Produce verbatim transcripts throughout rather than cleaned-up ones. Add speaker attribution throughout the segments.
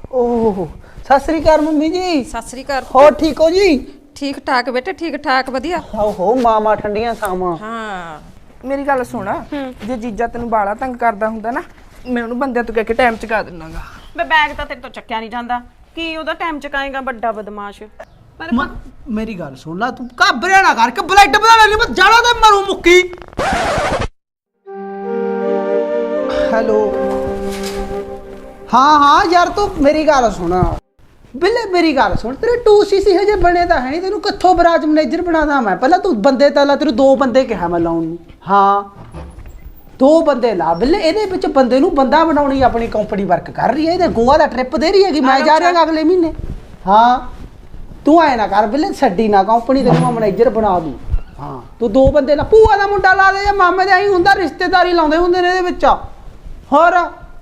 Speaker 1: ओह सत श्री अकाल मम्मी जी।
Speaker 2: सत श्री अकाल।
Speaker 1: हो ठीक हो जी?
Speaker 2: ठीक ठाक बेटे, ठीक ठाक वधिया।
Speaker 1: हो मामा ठंडियां सावां।
Speaker 2: हाँ
Speaker 3: मेरी गल सुन, जे जीजा तेन बाला तंग करदा हुंदा ना, मैं उन्हें बंदे तो कह के टाइम चुका देनागा।
Speaker 4: मैं बैग तो तेरे तो चक्या नहीं जाता कि ओदा टाइम चुकाएगा बड़ा बदमाश। पर
Speaker 1: म, मेरी गल सुन ला, तू घबरा ना कर के ब्लड बना ले, मैं जाना ते मरू मुक्की। हेलो हाँ हाँ यार तू मेरी गल सुन बिल्ले, मेरी गल सुन, तेरे टू सी सी हजे बने तो है नहीं, तेन कितों बराज मैनेजर बनादा मैं? पहला तू बंदे तला तेरे दो बंदे कहा मैं लाउन नूं। हाँ दो बंदे ला बिल्ले, ਇਹਦੇ ਵਿੱਚ ਬੰਦੇ ਨੂੰ ਬੰਦਾ ਬਣਾਉਣੀ ਆਪਣੀ ਕੰਪਨੀ ਵਰਕ ਕਰ ਰਹੀ ਹੈ, ਇਹਦੇ ਗੋਆ ਦਾ ਟ੍ਰਿਪ ਦੇ ਰਹੀ ਹੈਗੀ, ਮੈਂ ਜਾ ਰਿਹਾ ਅਗਲੇ ਮਹੀਨੇ। ਹਾਂ ਤੂੰ ਆਏ ਨਾ ਕਰ ਬਿੱਲੇ, ਛੱਡੀ ਨਾ ਕੰਪਨੀ, ਤੈਨੂੰ ਮੈਂ ਮੈਨੇਜਰ ਬਣਾ ਦੂੰ। ਹਾਂ ਤੂੰ ਦੋ ਬੰਦੇ ਲਾ, ਭੂਆ ਦਾ ਮੁੰਡਾ ਲਾ ਦੇ ਜਾਂ ਮਾਮੇ ਦਾ, ਹੀ ਹੁੰਦਾ ਰਿਸ਼ਤੇਦਾਰੀ ਲਾਉਂਦੇ ਹੁੰਦੇ ਨੇ ਇਹਦੇ ਵਿੱਚ। ਹੋਰ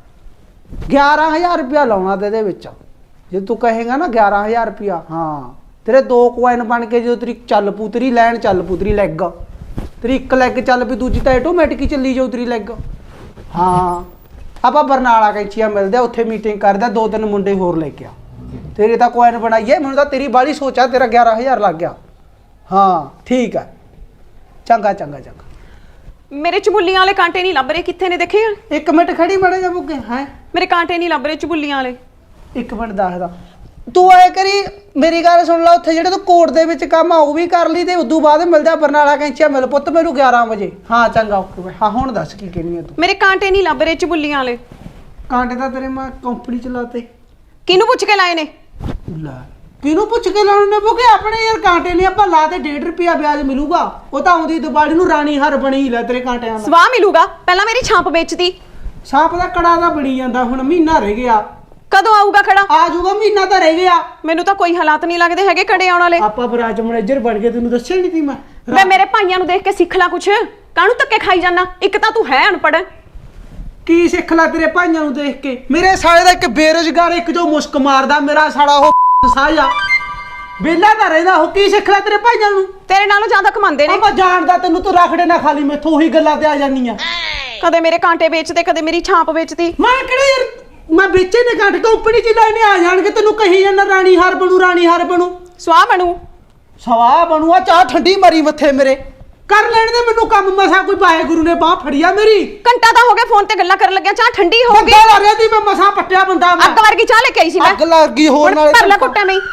Speaker 1: ਗਿਆਰਾਂ ਹਜ਼ਾਰ ਰੁਪਇਆ ਲਾਉਣਾ ਤੇ ਇਹਦੇ ਵਿੱਚ, ਜੇ ਤੂੰ ਕਹੇਗਾ ਨਾ ਗਿਆਰਾਂ ਹਜ਼ਾਰ ਰੁਪਇਆ। ਹਾਂ ਤੇਰੇ ਦੋ ਕੁਆਇਨ ਬਣ ਕੇ ਜਦੋਂ ਤੇਰੀ ਚੱਲ ਪੂ, ਤੇਰੀ ਲੈਣ ਚੱਲ ਪੂ, ਤੇਰੀ ਲੈਗ ਤੇਰੀ ਇੱਕ ਲੈਗ ਚੱਲ ਪਈ, ਦੂਜੀ ਤਾਂ ਆਟੋਮੈਟਿਕ ਹੀ ਚੱਲੀ ਜਾਊ ਤੇਰੀ ਲੈਗ। ਹਾਂ ਆਪਾਂ ਬਰਨਾਲਾ ਕੈਂਚੀਆਂ ਮਿਲਦੇ, ਉੱਥੇ ਮੀਟਿੰਗ ਕਰਦਾ, ਦੋ ਤਿੰਨ ਮੁੰਡੇ ਹੋਰ ਲੈ ਕੇ ਆ, ਤੇਰੇ ਤਾਂ ਕੁਆਇਨ ਬਣਾਈਏ। ਮੈਨੂੰ ਤਾਂ ਤੇਰੀ ਬਾਹਲੀ ਸੋਚ ਆ, ਤੇਰਾ ਗਿਆਰਾਂ ਹਜ਼ਾਰ ਲੱਗ ਗਿਆ। ਹਾਂ ਠੀਕ ਹੈ, ਚੰਗਾ ਚੰਗਾ ਚੰਗਾ।
Speaker 4: मेरे चबुलियां वाले कांटे नहीं लभ रहे, कितने ने देखे?
Speaker 1: ਇੱਕ ਮਿੰਟ ਖੜੀ ਬੜੇ ਜਾ ਬੁੱਗੇ ਹੈ,
Speaker 4: मेरे कांटे नहीं लभ रहे चबुलियां वाले।
Speaker 1: ਇੱਕ ਮਿੰਟ ਦੱਸਦਾ। ਤੂੰ ਐ ਕਰੀ ਮੇਰੀ ਗੱਲ ਸੁਣ ਲਾ, ਉੱਥੇ ਜਿਹੜੇ ਤੂੰ ਕੋਰਟ ਦੇ ਵਿੱਚ ਕੰਮ ਆ ਉਹ ਵੀ ਕਰ ਲਈ, ਤੇ ਉਦੋਂ ਬਾਅਦ ਮਿਲ ਜਾ ਬਰਨਾਲਾ ਕੈਂਚੀਆਂ ਮਿਲ ਪੁੱਤ ਮੈਨੂੰ ਗਿਆਰਾਂ ਵਜੇ। ਹਾਂ ਚੰਗਾ ਓਕੇ। ਹਾਂ ਹੁਣ ਦੱਸ ਕੀ ਕਹਿਣੀ ਆ ਤੂੰ?
Speaker 4: मेरे कांटे नहीं लभ रहे चबुलियां वाले।
Speaker 1: ਕਾਂਟੇ ਤਾਂ ਤੇਰੇ ਮੈਂ ਕੰਪਨੀ ਚਲਾਤੇ।
Speaker 4: किनू पुछ के लाए ने?
Speaker 1: ਲੈ ਕਿਹਨੂੰ ਪੁੱਛ ਕੇ ਲਾਉਣੇ ਨੇ ਬੁੱਗੇ? ਆਪਣੇ ਯਾਰ ਕਾਂਟੇ ਨਹੀਂ ਆਪਾਂ ਲਾਤੇ, ਡੇਢ ਰੁਪਿਆ ਵਿਆਜ ਮਿਲੂਗਾ। ਉਹ ਤਾਂ ਆਉਂਦੀ ਦਿਵਾਲੀ ਨੂੰ ਰਾਣੀ ਹਰ ਬਣੀ ਲੈ ਤੇਰੇ ਕਾਂਟਿਆਂ ਦਾ।
Speaker 4: ਸਵਾਹ ਮਿਲੂਗਾ, ਪਹਿਲਾਂ ਮੇਰੀ ਛਾਂਪ ਵੇਚਦੀ।
Speaker 1: ਸਾਂਪ ਦਾ ਕੜਾ ਦਾ ਬਣੀ ਜਾਂਦਾ, ਹੁਣ ਮਹੀਨਾ ਰਹਿ ਗਿਆ।
Speaker 4: ਕਦੋਂ ਆਊਗਾ ਖੜਾ?
Speaker 1: ਆ ਜਾਊਗਾ, ਮਹੀਨਾ ਤਾਂ ਰਹਿ ਗਿਆ।
Speaker 4: ਮੈਨੂੰ ਤਾਂ ਕੋਈ ਹਾਲਾਤ ਨਹੀਂ ਲੱਗਦੇ ਹੈਗੇ ਕੜੇ ਆਉਣ ਵਾਲੇ।
Speaker 1: ਆਪਾਂ ਬਰਾਜ ਮੈਨੇਜਰ ਬਣ ਕੇ ਤੈਨੂੰ ਦੱਸਿਆ ਨਹੀਂ ਸੀ ਮੈਂ?
Speaker 4: ਮੈਂ ਮੇਰੇ ਭਾਈਆਂ ਨੂੰ ਦੇਖ ਕੇ ਸਿੱਖ ਲੈ ਕੁਛ, ਕਾਹਨੂੰ ਧੱਕੇ ਖਾਈ ਜਾਣਾ? ਇੱਕ ਤਾਂ ਤੂੰ ਹੈ ਅਨਪੜ੍ਹ।
Speaker 1: ਕੀ ਸਿੱਖ ਲੈ ਤੇਰੇ ਭਾਈਆਂ ਨੂੰ ਦੇਖ ਕੇ? ਮੇਰੇ ਸਾਲੇ ਦਾ ਇੱਕ ਬੇਰੁਜ਼ਗਾਰ, ਇੱਕ ਜੋ ਮੁਸਕ ਮਾਰਦਾ, ਮੇਰਾ ਸਾਲਾ ਉਹ ਸਾਇਆ ਵੇਲਾ ਤਾਂ ਰਹਿੰਦਾ, ਉਹ ਕੀ ਸਿੱਖ ਲੈ ਤੇਰੇ ਭਾਈਆਂ ਨੂੰ?
Speaker 4: ਤੇਰੇ ਨਾਲੋਂ ਜ਼ਿਆਦਾ ਕਮਾਉਂਦੇ ਨੇ।
Speaker 1: ਆਪਾਂ ਜਾਣਦਾ ਤੈਨੂੰ, ਤੂੰ ਰਖੜੇ ਨਾ ਖਾਲੀ ਮੈਥੋਂ ਉਹੀ ਗੱਲਾਂ ਤੇ ਆ ਜਾਨੀ ਆ।
Speaker 4: ਕਦੇ ਮੇਰੇ ਕਾਂਟੇ ਵੇਚਦੇ, ਕਦੇ ਮੇਰੀ ਛਾਂਪ ਵੇਚਦੀ।
Speaker 1: ਮੈਂ ਕਿਹੜੇ ਯਾਰ ਮੈਂ ਵੇਚੇ ਨੇ ਕਾਂਟੇ, ਕੰਪਨੀ ਚ ਲੈਣੇ ਆ ਜਾਣਗੇ, ਤੈਨੂੰ ਕਹੀ ਜਾਂਦਾ ਰਾਣੀ ਹਾਰ ਬਣੂ, ਰਾਣੀ ਹਾਰ ਬਣੂ।
Speaker 4: ਸਵਾਹ ਬਣੂ,
Speaker 1: ਸਵਾਹ ਬਣੂ। ਆ ਚਾਹ ਠੰਡੀ ਮਰੀ ਮੱਥੇ ਮੇਰੇ, ਕਰ ਲੈਣ ਦੇ ਮੈਨੂੰ ਕੰਮ। ਮਸਾ ਕੋਈ ਵਾਹਿਗੁਰੂ ਨੇ ਬਾਹ ਫੜਿਆ ਮੇਰੀ।
Speaker 4: ਘੰਟਾ ਤਾਂ ਹੋ ਗਿਆ ਫੋਨ ਤੇ ਗੱਲਾਂ ਕਰਨ ਲੱਗਿਆ, ਚਾਹ ਠੰਡੀ ਹੋ ਗਈ।
Speaker 1: ਬੰਦਾ ਲਾ ਰਿਹਾ ਸੀ ਮੈਂ, ਮਸਾ ਪੱਟਿਆ ਬੰਦਾ ਮੈਂ।
Speaker 4: ਅੱਗ ਵਰਗੀ ਚਾਹ ਲੈ ਕੇ ਆਈ ਸੀ ਮੈਂ।
Speaker 1: ਅੱਗ ਲੱਗ ਗਈ ਹੋਰ ਨਾਲੇ।
Speaker 4: ਭਰ ਲੈ ਕੁੱਟਾਂ ਨਹੀਂ।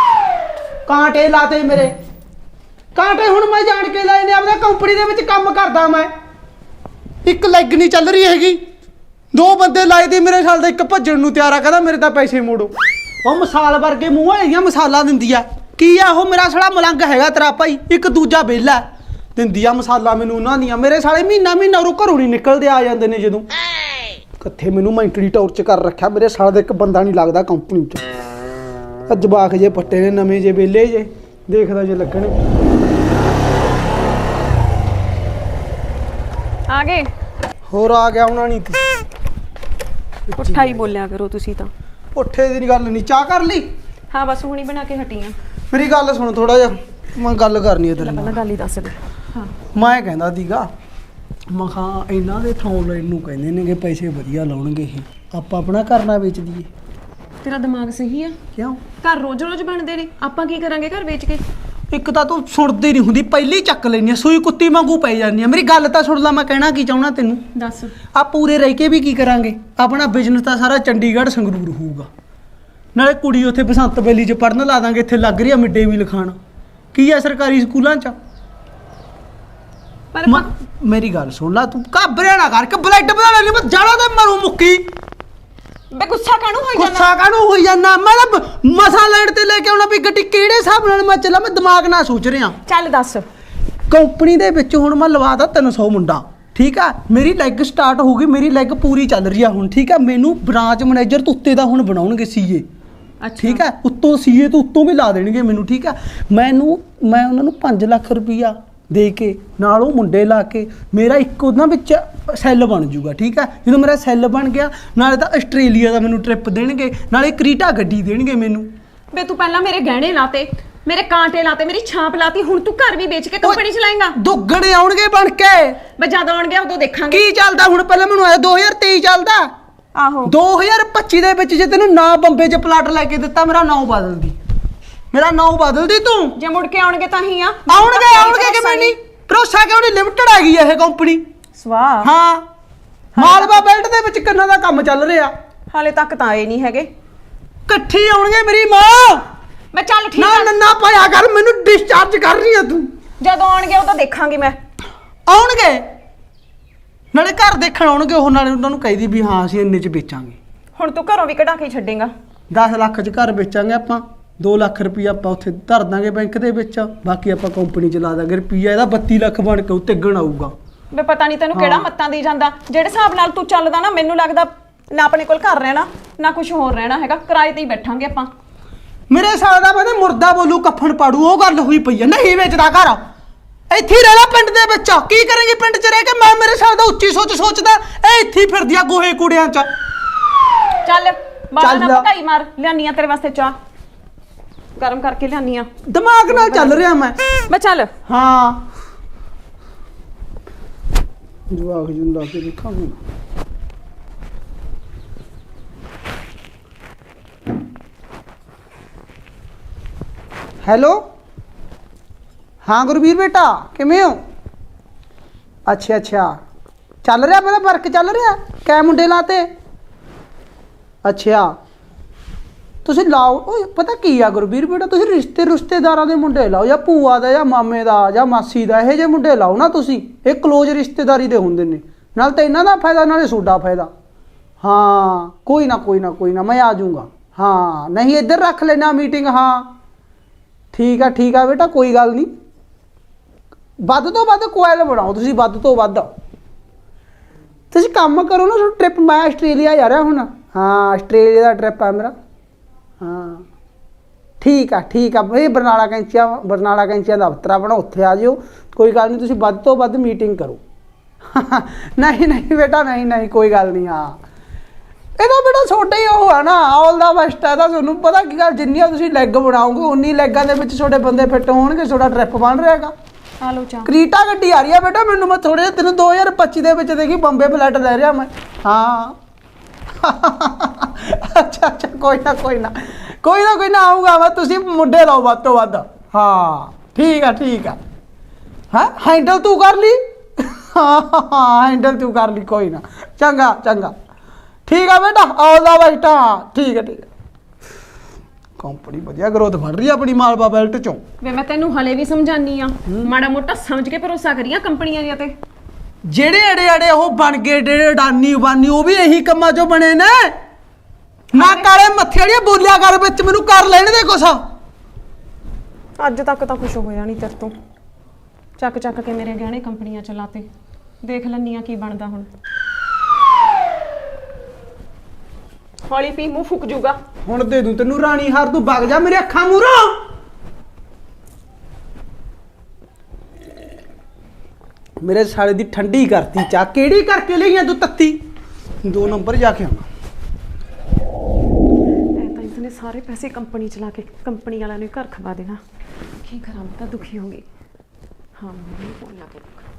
Speaker 1: ਕਾਂਟੇ ਲਾਤੇ ਮੇਰੇ, ਕਾਂਟੇ ਹੁਣ ਮੈਂ ਜਾਣ ਕੇ ਲਾਏ ਨੇ। ਆਪਣਾ ਕੰਪਨੀ ਦੇ ਵਿੱਚ ਕੰਮ ਕਰਦਾ ਮੈਂ, ਇੱਕ ਲੈਗ ਨਹੀਂ ਚੱਲ ਰਹੀ ਹੈਗੀ, ਦੋ ਬੰਦੇ ਲਾਏ ਤੇ ਮੇਰੇ ਸਾਲ ਦਾ ਇੱਕ ਭੱਜਣ ਨੂੰ ਤਿਆਰ ਆ, ਕਹਿੰਦਾ ਮੇਰੇ ਤਾਂ ਪੈਸੇ ਮੋੜੋ। ਉਹ ਮਸਾਲ ਵਰਗੇ ਮੂੰਹ ਵਾਲੀਆਂ ਮਸਾਲਾ ਦਿੰਦੀ ਆ। ਕੀ ਆ ਉਹ? ਮੇਰਾ ਸਾਲਾ ਮਲੰਗ ਹੈਗਾ ਤੇਰਾ ਭਾਈ, ਇੱਕ ਦੂਜਾ ਵਿਹਲਾ ਦਿੰਦੀ ਆ ਮਸਾਲਾ ਮੈਨੂੰ ਉਹਨਾਂ ਦੀਆਂ। ਮੇਰੇ ਸਾਲੇ ਮਹੀਨਾ ਮਹੀਨਾ ਉਹ ਘਰੋਂ ਨਹੀਂ ਨਿਕਲਦੇ, ਆ ਜਾਂਦੇ ਨੇ ਜਦੋਂ। ਕਿੱਥੇ ਮੈਨੂੰ ਮੈਂਟਲੀ ਟੌਰਚ ਕਰ ਰੱਖਿਆ, ਮੇਰੇ ਸਾਲੇ ਦਾ ਇੱਕ ਬੰਦਾ ਨਹੀਂ ਲੱਗਦਾ ਕੰਪਨੀ 'ਚ। ਜਵਾਕ ਜੇ ਪੱਟੇ ਨੇ ਨਵੇਂ ਜੇ ਵਿਹਲੇ ਜੇ, ਦੇਖਦਾ ਜੇ ਲੱਗਣੇ।
Speaker 4: ਆ ਗਏ?
Speaker 1: ਹੋਰ ਆ ਗਿਆ ਉਹਨਾਂ ਨਹੀਂ।
Speaker 4: ਪੁੱਠਾ ਹੀ ਬੋਲਿਆ ਕਰੋ ਤੁਸੀਂ ਤਾਂ।
Speaker 1: ਪੁੱਠੇ ਦੀ ਗੱਲ ਨਹੀਂ। ਚਾਹ ਕਰ ਲਈ?
Speaker 4: ਹਾਂ ਬਸ ਹੁਣੀ ਬਣਾ ਕੇ ਹਟੀ ਆ।
Speaker 1: ਮੇਰੀ ਗੱਲ ਸੁਣ, ਥੋੜਾ ਜਿਹਾ ਮੈਂ ਗੱਲ ਕਰਨੀ ਹੈ ਤੇਰੇ
Speaker 4: ਪਹਿਲਾਂ
Speaker 1: ਨਾਲ।
Speaker 4: ਗੱਲ ਹੀ ਦੱਸ ਦੇ। ਹਾਂ
Speaker 1: ਮੈਂ ਕਹਿੰਦਾ ਸੀਗਾ, ਮੈਂ ਕਿਹਾ ਇਹਨਾਂ ਦੇ ਥਾਂ ਲੈਣ ਨੂੰ ਕਹਿੰਦੇ ਨੇਗੇ, ਪੈਸੇ ਵਧੀਆ ਲਾਉਣਗੇ ਇਹ, ਆਪਾਂ ਆਪਣਾ ਘਰ ਨਾ ਵੇਚ ਦਈਏ।
Speaker 4: ਤੇਰਾ ਦਿਮਾਗ ਸਹੀ ਆ?
Speaker 1: ਕਿਉਂ?
Speaker 4: ਘਰ ਰੋਜ਼ ਰੋਜ਼ ਬਣਦੇ ਨੇ, ਆਪਾਂ ਕੀ ਕਰਾਂਗੇ ਘਰ ਵੇਚ ਕੇ?
Speaker 1: ਇੱਕ ਤਾਂ ਤੂੰ ਸੁਣਦੀ ਨਹੀਂ ਹੁੰਦੀ, ਪਹਿਲੀ ਚੱਕ ਲੈਣੀ ਆ, ਸੂਈ ਕੁੱਤੀ ਵਾਂਗੂ ਪੈ ਜਾਂਦੀ ਆ। ਮੇਰੀ ਗੱਲ ਤਾਂ ਸੁਣ ਲਾ, ਮੈਂ ਕਹਿਣਾ ਕੀ ਚਾਹੁੰਦਾ ਤੈਨੂੰ।
Speaker 4: ਦੱਸ।
Speaker 1: ਆ ਪੂਰੇ ਰਹਿ ਕੇ ਵੀ ਕੀ ਕਰਾਂਗੇ? ਆਪਣਾ ਬਿਜ਼ਨਸ ਤਾਂ ਸਾਰਾ ਚੰਡੀਗੜ੍ਹ ਸੰਗਰੂਰ ਹੋਊਗਾ, ਨਾਲੇ ਕੁੜੀ ਉੱਥੇ ਬਸੰਤ ਬੈਲੀ 'ਚ ਪੜਨ ਲਾ ਦਾਂਗੇ। ਇੱਥੇ ਲੱਗ ਰਹੀ ਆ ਮਿਡ ਡੇ ਮੀਲ ਖਾਣ, ਕੀ ਆ ਸਰਕਾਰੀ ਸਕੂਲਾਂ 'ਚ।
Speaker 4: ਪਰ
Speaker 1: ਮੇਰੀ ਗੱਲ ਸੁਣ ਲਾ, ਤੂੰ ਘਬਰਾ ਨਾ ਕਰ ਕੇ ਬਲੱਡ ਬਣਾ ਲੈ, ਮੈਂ ਜਾਣਾ ਤੇ ਮਰੂ ਮੁੱਕੀ।
Speaker 4: ਬੇ ਗੁੱਸਾ ਕਾਹਨੂੰ ਹੋਈ ਜਾਂਦਾ?
Speaker 1: ਗੁੱਸਾ ਕਾਹਨੂੰ ਹੋਈ ਜਾਂਦਾ? ਮੈਂ ਤਾਂ ਮਸਾ ਲੈਣ ਤੇ ਲੈ ਕੇ ਆਉਣਾ ਵੀ ਗੱਡੀ ਕਿਹੜੇ ਹਿਸਾਬ ਨਾਲ ਮੈਂ ਚੱਲਾਂ, ਮੈਂ ਦਿਮਾਗ ਨਾਲ ਸੋਚ ਰਿਹਾ।
Speaker 4: ਚੱਲ ਦੱਸ।
Speaker 1: ਕੰਪਨੀ ਦੇ ਵਿੱਚ ਹੁਣ ਮੈਂ ਲਵਾਦਾ ਤਿੰਨ ਸੌ ਮੁੰਡਾ, ਠੀਕ ਆ। ਮੇਰੀ ਲੈਗ ਸਟਾਰਟ ਹੋ ਗਈ, ਮੇਰੀ ਲੈਗ ਪੂਰੀ ਚੱਲ ਰਹੀ ਆ ਹੁਣ, ਠੀਕ ਆ। ਮੈਨੂੰ ਬ੍ਰਾਂਚ ਮੈਨੇਜਰ ਤੋਂ ਉੱਤੇ ਦਾ ਹੁਣ ਬਣਾਉਣਗੇ ਸੀਏ, ਠੀਕ ਆ। ਉੱਤੋਂ ਸੀਏ ਤੋਂ ਉੱਤੋਂ ਵੀ ਲਾ ਦੇਣਗੇ ਮੈਨੂੰ, ਠੀਕ ਆ। ਮੈਨੂੰ ਮੈਂ ਉਹਨਾਂ ਨੂੰ ਪੰਜ ਲੱਖ ਰੁਪਈਆ ਦੇ ਕੇ ਨਾਲ ਉਹ ਮੁੰਡੇ ਲਾ ਕੇ ਮੇਰਾ ਇੱਕ ਉਹਨਾਂ ਵਿੱਚ ਸੈੱਲ ਬਣ ਜੂਗਾ, ਠੀਕ ਆ। ਜਦੋਂ ਮੇਰਾ ਸੈੱਲ ਬਣ ਗਿਆ, ਨਾਲੇ ਤਾਂ ਆਸਟ੍ਰੇਲੀਆ ਦਾ ਮੈਨੂੰ ਟ੍ਰਿਪ ਦੇਣਗੇ, ਨਾਲੇ ਕ੍ਰੀਟਾ ਗੱਡੀ ਦੇਣਗੇ ਮੈਨੂੰ।
Speaker 4: ਬੇ ਤੂੰ ਪਹਿਲਾਂ ਮੇਰੇ ਗਹਿਣੇ ਲਾਤੇ, ਮੇਰੇ ਕਾਂਟੇ ਲਾਤੇ, ਮੇਰੀ ਛਾਪ ਲਾਤੀ, ਹੁਣ ਤੂੰ ਘਰ ਵੀ ਵੇਚ ਕੇ ਕੰਪਨੀ ਚਲਾਏਂਗਾ?
Speaker 1: ਦੁੱਗਣੇ ਆਉਣਗੇ ਬਣ ਕੇ।
Speaker 4: ਬੇ ਜਦ ਆਉਣਗੇ ਉਦੋਂ ਦੇਖਾਂਗੇ
Speaker 1: ਕੀ ਚੱਲਦਾ ਹੁਣ? ਪਹਿਲਾਂ ਮੈਨੂੰ ਆਇਆ ਦੋ ਹਜ਼ਾਰ ਤੇਈ ਚੱਲਦਾ।
Speaker 4: ਆਹੋ
Speaker 1: ਦੋ ਹਜ਼ਾਰ ਪੱਚੀ ਦੇ ਵਿੱਚ ਜੇ ਤੈਨੂੰ ਨਾ ਬੰਬੇ 'ਚ ਪਲਾਟ ਲੈ ਕੇ ਦਿੱਤਾ ਮੇਰਾ ਨਾਂ ਬਦਲਦੀ ਮੇਰਾ ਨਾਂ ਬਦਲਦੀ ਤੂੰ
Speaker 4: ਜੇ ਮੁੜ ਕੇ ਆਉਣਗੇ ਤਾਂ ਹੀ ਆ
Speaker 1: ਆਉਣਗੇ ਆਉਣਗੇ ਕਿਵੇਂ ਨਹੀਂ ਭਰੋਸਾ ਕਿਉਂ ਨਹੀਂ ਲਿਮਟਿਡ ਆ ਗਈ ਇਹ ਕੰਪਨੀ
Speaker 4: ਸਵਾਹ
Speaker 1: ਹਾਂ ਮਾਲਵਾ ਬੈਲਟ ਦੇ ਵਿੱਚ ਕਿੰਨਾ ਦਾ ਕੰਮ ਚੱਲ ਰਿਹਾ
Speaker 4: ਹਾਲੇ ਤੱਕ ਤਾਂ ਆਏ ਨਹੀਂ ਹੈਗੇ
Speaker 1: ਇਕੱਠੀ ਆਉਣਗੇ ਮੇਰੀ ਮਾਂ
Speaker 4: ਮੈਂ ਚੱਲ ਠੀਕ
Speaker 1: ਨਾ
Speaker 4: ਆ
Speaker 1: ਨੰਨਾ ਪਾਇਆ ਕਰ ਮੈਨੂੰ ਡਿਸਚਾਰਜ ਕਰ ਰਹੀ ਆ ਤੂੰ
Speaker 4: ਜਦੋਂ ਆਉਣਗੇ ਉਹ ਤਾਂ ਦੇਖਾਂਗੀ ਮੈਂ
Speaker 1: ਆਉਣਗੇ ਨਾਲੇ ਘਰ ਦੇਖਣ ਆਉਣਗੇ ਉਹ ਨਾਲੇ ਉਹਨਾਂ ਨੂੰ ਕਹਿਦੀ ਵੀ ਹਾਂ ਅਸੀਂ ਇੰਨੇ 'ਚ ਵੇਚਾਂਗੇ
Speaker 4: ਹੁਣ ਤੂੰ ਘਰੋਂ ਵੀ ਕਢਾ ਕੇ ਛੱਡੇਗਾ
Speaker 1: ਦਸ ਲੱਖ 'ਚ ਘਰ ਵੇਚਾਂਗੇ ਆਪਾਂ ਦੋ ਲੱਖ ਰੁਪਈਆ ਆਪਾਂ ਉੱਥੇ ਧਰ ਦਾਂਗੇ ਬੈਂਕ ਦੇ ਵਿੱਚ ਬਾਕੀ ਆਪਾਂ ਕੰਪਨੀ 'ਚ ਲਾ ਦਾਂਗੇ ਰੁਪਈਆ ਇਹਦਾ ਬੱਤੀ ਲੱਖ ਬਣ ਕੇ ਉੱਤੇ ਗਣ ਆਊਗਾ
Speaker 4: ਵੇ ਪਤਾ ਨਹੀਂ ਤੈਨੂੰ ਕਿਹੜਾ ਮੱਤਾਂ ਦੀ ਜਾਂਦਾ ਜਿਹੜੇ ਹਿਸਾਬ ਨਾਲ ਤੂੰ ਚੱਲਦਾ ਨਾ ਮੈਨੂੰ ਲੱਗਦਾ ਨਾ ਆਪਣੇ ਕੋਲ ਘਰ ਰਹਿਣਾ ਨਾ ਕੁਝ ਹੋਰ ਰਹਿਣਾ ਹੈਗਾ ਕਿਰਾਏ ਤੇ ਹੀ ਬੈਠਾਂਗੇ ਆਪਾਂ
Speaker 1: ਮੇਰੇ ਸਾਲ ਦਾ ਬੰਦੇ ਮੁਰਦਾ ਬੋਲੂ ਕਫਨ ਪਾੜੂ ਉਹ ਗੱਲ ਹੋਈ ਪਈ ਆ ਨਹੀਂ ਵੇਚਦਾ ਘਰ ਇੱਥੇ ਹੀ ਰਹਿਣਾ ਪਿੰਡ ਦੇ ਵਿੱਚ ਕੀ ਕਰਾਂਗੇ ਪਿੰਡ 'ਚ ਰਹਿ ਕੇ ਮੈਂ ਮੇਰੇ ਸਾਲ ਦਾ ਉੱਚੀ ਸੋਚ ਸੋਚਦਾ ਇਹ ਇੱਥੇ ਹੀ ਫਿਰਦੀ ਆ ਗੋਹੇ ਕੂੜਿਆਂ 'ਚ
Speaker 4: ਚੱਲ ਬਾਹਰ ਨਾ
Speaker 1: ਚੱਲ।
Speaker 4: ਭਕਾਈ ਮਾਰ ਲਿਆਨੀ ਆ ਤੇਰੇ ਵਾਸਤੇ ਚਾਹ ਗਰਮ ਕਰਕੇ ਲਿਆਨੀ ਆ
Speaker 1: ਦਿਮਾਗ ਨਾਲ ਚੱਲ ਰਿਹਾ ਮੈਂ
Speaker 4: ਮੈਂ ਚੱਲ
Speaker 1: ਹਾਂ ਜਵਾਕ ਜਿੰਦਾ ਕੇ ਦੇਖਾਂਗੇ ਹੈਲੋ ਹਾਂ ਗੁਰਵੀਰ ਬੇਟਾ ਕਿਵੇਂ ਹੋ ਅੱਛਾ ਅੱਛਾ ਚੱਲ ਰਿਹਾ ਮੇਰਾ ਵਰਕ ਚੱਲ ਰਿਹਾ ਕੈ ਮੁੰਡੇ ਲਾਤੇ ਅੱਛਾ ਤੁਸੀਂ ਲਾਓ ਓਏ ਪਤਾ ਕੀ ਆ ਗੁਰਵੀਰ ਬੇਟਾ ਤੁਸੀਂ ਰਿਸ਼ਤੇ ਰਿਸ਼ਤੇਦਾਰਾਂ ਦੇ ਮੁੰਡੇ ਲਾਓ ਜਾਂ ਭੂਆ ਦਾ ਜਾਂ ਮਾਮੇ ਦਾ ਜਾਂ ਮਾਸੀ ਦਾ ਇਹੋ ਜਿਹੇ ਮੁੰਡੇ ਲਾਓ ਨਾ ਤੁਸੀਂ ਇਹ ਕਲੋਜ਼ ਰਿਸ਼ਤੇਦਾਰੀ ਦੇ ਹੁੰਦੇ ਨੇ ਨਾਲ ਤਾਂ ਇਹਨਾਂ ਦਾ ਫਾਇਦਾ ਨਾਲੇ ਤੁਹਾਡਾ ਫਾਇਦਾ ਹਾਂ ਕੋਈ ਨਾ ਕੋਈ ਨਾ ਕੋਈ ਨਾ ਮੈਂ ਆ ਜਾਊਂਗਾ ਹਾਂ ਨਹੀਂ ਇੱਧਰ ਰੱਖ ਲੈਣਾ ਮੀਟਿੰਗ ਹਾਂ ਠੀਕ ਆ ਠੀਕ ਆ ਬੇਟਾ ਕੋਈ ਗੱਲ ਨਹੀਂ ਵੱਧ ਤੋਂ ਵੱਧ ਕੋਇਲ ਬਣਾਓ ਤੁਸੀਂ ਵੱਧ ਤੋਂ ਵੱਧ ਤੁਸੀਂ ਕੰਮ ਕਰੋ ਨਾ ਟ੍ਰਿਪ ਮੈਂ ਆਸਟ੍ਰੇਲੀਆ ਜਾ ਰਿਹਾ ਹੁਣ ਹਾਂ ਆਸਟ੍ਰੇਲੀਆ ਦਾ ਟ੍ਰਿਪ ਆ ਮੇਰਾ ਹਾਂ ਠੀਕ ਆ ਠੀਕ ਆ ਇਹ ਬਰਨਾਲਾ ਕੈਂਚੀਆਂ ਬਰਨਾਲਾ ਕੈਂਚੀਆਂ ਦਾ ਦਫ਼ਤਰ ਆਪਣਾ ਉੱਥੇ ਆ ਜਿਓ ਕੋਈ ਗੱਲ ਨਹੀਂ ਤੁਸੀਂ ਵੱਧ ਤੋਂ ਵੱਧ ਮੀਟਿੰਗ ਕਰੋ ਨਹੀਂ ਨਹੀਂ ਬੇਟਾ ਨਹੀਂ ਨਹੀਂ ਕੋਈ ਗੱਲ ਨਹੀਂ ਹਾਂ ਇਹਦਾ ਬੇਟਾ ਛੋਟਾ ਹੀ ਉਹ ਆ ਨਾ ਆਲ ਦਾ ਬੈਸਟ ਹੈ ਤਾਂ ਤੁਹਾਨੂੰ ਪਤਾ ਕੀ ਗੱਲ ਜਿੰਨੀਆਂ ਤੁਸੀਂ ਲੈਗ ਬਣਾਓਗੇ ਉਨੀ ਲੈਗਾਂ ਦੇ ਵਿੱਚ ਤੁਹਾਡੇ ਬੰਦੇ ਫਿੱਟ ਹੋਣਗੇ ਤੁਹਾਡਾ ਟ੍ਰਿਪ ਬਣ ਰਿਹਾਗਾ
Speaker 4: ਆ ਲੋ ਚਾਹ
Speaker 1: ਕ੍ਰੀਟਾ ਗੱਡੀ ਆ ਰਹੀ ਆ ਬੇਟਾ ਮੈਨੂੰ ਮੈਂ ਥੋੜੇ ਤੈਨੂੰ ਦੋ ਹਜ਼ਾਰ ਪੱਚੀ ਦੇ ਵਿੱਚ ਦੇਖੀ ਬੰਬੇ ਫਲੈਟ ਲੈ ਰਿਹਾ ਮੈਂ ਹਾਂ ਅੱਛਾ ਅੱਛਾ ਕੋਈ ਨਾ ਕੋਈ ਨਾ ਕੋਈ ਨਾ ਕੋਈ ਨਾ ਆਊਗਾ ਮੈਂ ਤੁਸੀਂ ਮੁੰਡੇ ਲਾਓ ਵੱਧ ਤੋਂ ਵੱਧ ਹਾਂ ਠੀਕ ਆ ਠੀਕ ਆ ਹਾਂ ਹੈਂਡਲ ਤੂੰ ਕਰ ਲਈ ਹਾਂ ਹੈਂਡਲ ਤੂੰ ਕਰ ਲਈ ਕੋਈ ਨਾ ਚੰਗਾ ਚੰਗਾ ਠੀਕ ਆ ਬੇਟਾ ਆਉਂਦਾ ਬੈਠਾ ਠੀਕ ਹੈ ਠੀਕ ਹੈ ਕੰਪਨੀ ਵਧੀਆ ਗਰੋਥ ਬਣ ਰਹੀ ਆ ਆਪਣੀ ਮਾਲਵਾ ਬੈਲਟ ਚੋਂ
Speaker 4: ਵੇ ਮੈਂ ਤੈਨੂੰ ਹਲੇ ਵੀ ਸਮਝਾਨੀ ਆ ਮਾੜਾ ਮੋਟਾ ਸਮਝ ਕੇ ਭਰੋਸਾ ਕਰੀਆਂ ਕੰਪਨੀਆਂ ਦੀਆਂ ਤੇ
Speaker 1: ਜਿਹੜੇ ਅੜੇ ਅੜੇ ਉਹ ਬਣ ਗਏ ਜਿਹੜੇ ਅਡਾਨੀ ਬਾਨੀ ਉਹ ਵੀ ਇਹੀ ਕੰਮਾਂ ਚੋਂ ਬਣੇ ਨੇ ਨਾ ਕਾਲੇ ਮੱਥੇ ਵਾਲੀਆਂ ਬੋਲਿਆ ਕਰ ਵਿੱਚ ਮੈਨੂੰ ਕਰ ਲੈਣ ਦੇ ਕੁਛ
Speaker 4: ਅੱਜ ਤੱਕ ਤਾਂ ਕੁਝ ਹੋਇਆ ਨਹੀਂ ਤੇਰੇ ਤੋਂ ਚੱਕ ਚੱਕ ਕੇ ਮੇਰੇ ਗਹਿਣੇ ਕੰਪਨੀਆਂ ਚ ਲਾਤੇ ਦੇਖ ਲੈਨੀ ਆ ਕੀ ਬਣਦਾ ਹੁਣ ਹੌਲੀ ਪੀ ਮੂੰਹ ਫੁੱਕ ਜੂਗਾ
Speaker 1: ਹੁਣ ਦੇ ਦੂੰ ਤੈਨੂੰ ਰਾਣੀ ਹਾਰ ਤੂੰ ਵਗ ਜਾ ਮੇਰੇ ਅੱਖਾਂ ਮੂਹਰੋਂ ਮੇਰੇ ਸਾਲੇ ਦੀ ਠੰਡੀ ਕਰਤੀ ਚਾਹ ਕਿਹੜੀ ਕਰਕੇ ਲਈਆਂ ਤੂੰ ਤੱਤੀ ਦੋ ਨੰਬਰ ਜਾ ਕੇ ਆਵਾਂ
Speaker 4: ਐ ਤਾਂ ਇਸਨੇ ਸਾਰੇ ਪੈਸੇ ਕੰਪਨੀ ਚ ਲਾ ਕੇ ਕੰਪਨੀ ਵਾਲਿਆਂ ਨੂੰ ਘਰ ਖਵਾ ਦੇਣਾ ਕੀ ਕਰਾਂ ਮੈਂ ਤਾਂ ਦੁਖੀ ਹੋ ਗਈ ਹਾਂ ਮੈਂ ਫੋਨ ਲਾ ਕੇ ਦੇਖਾਂ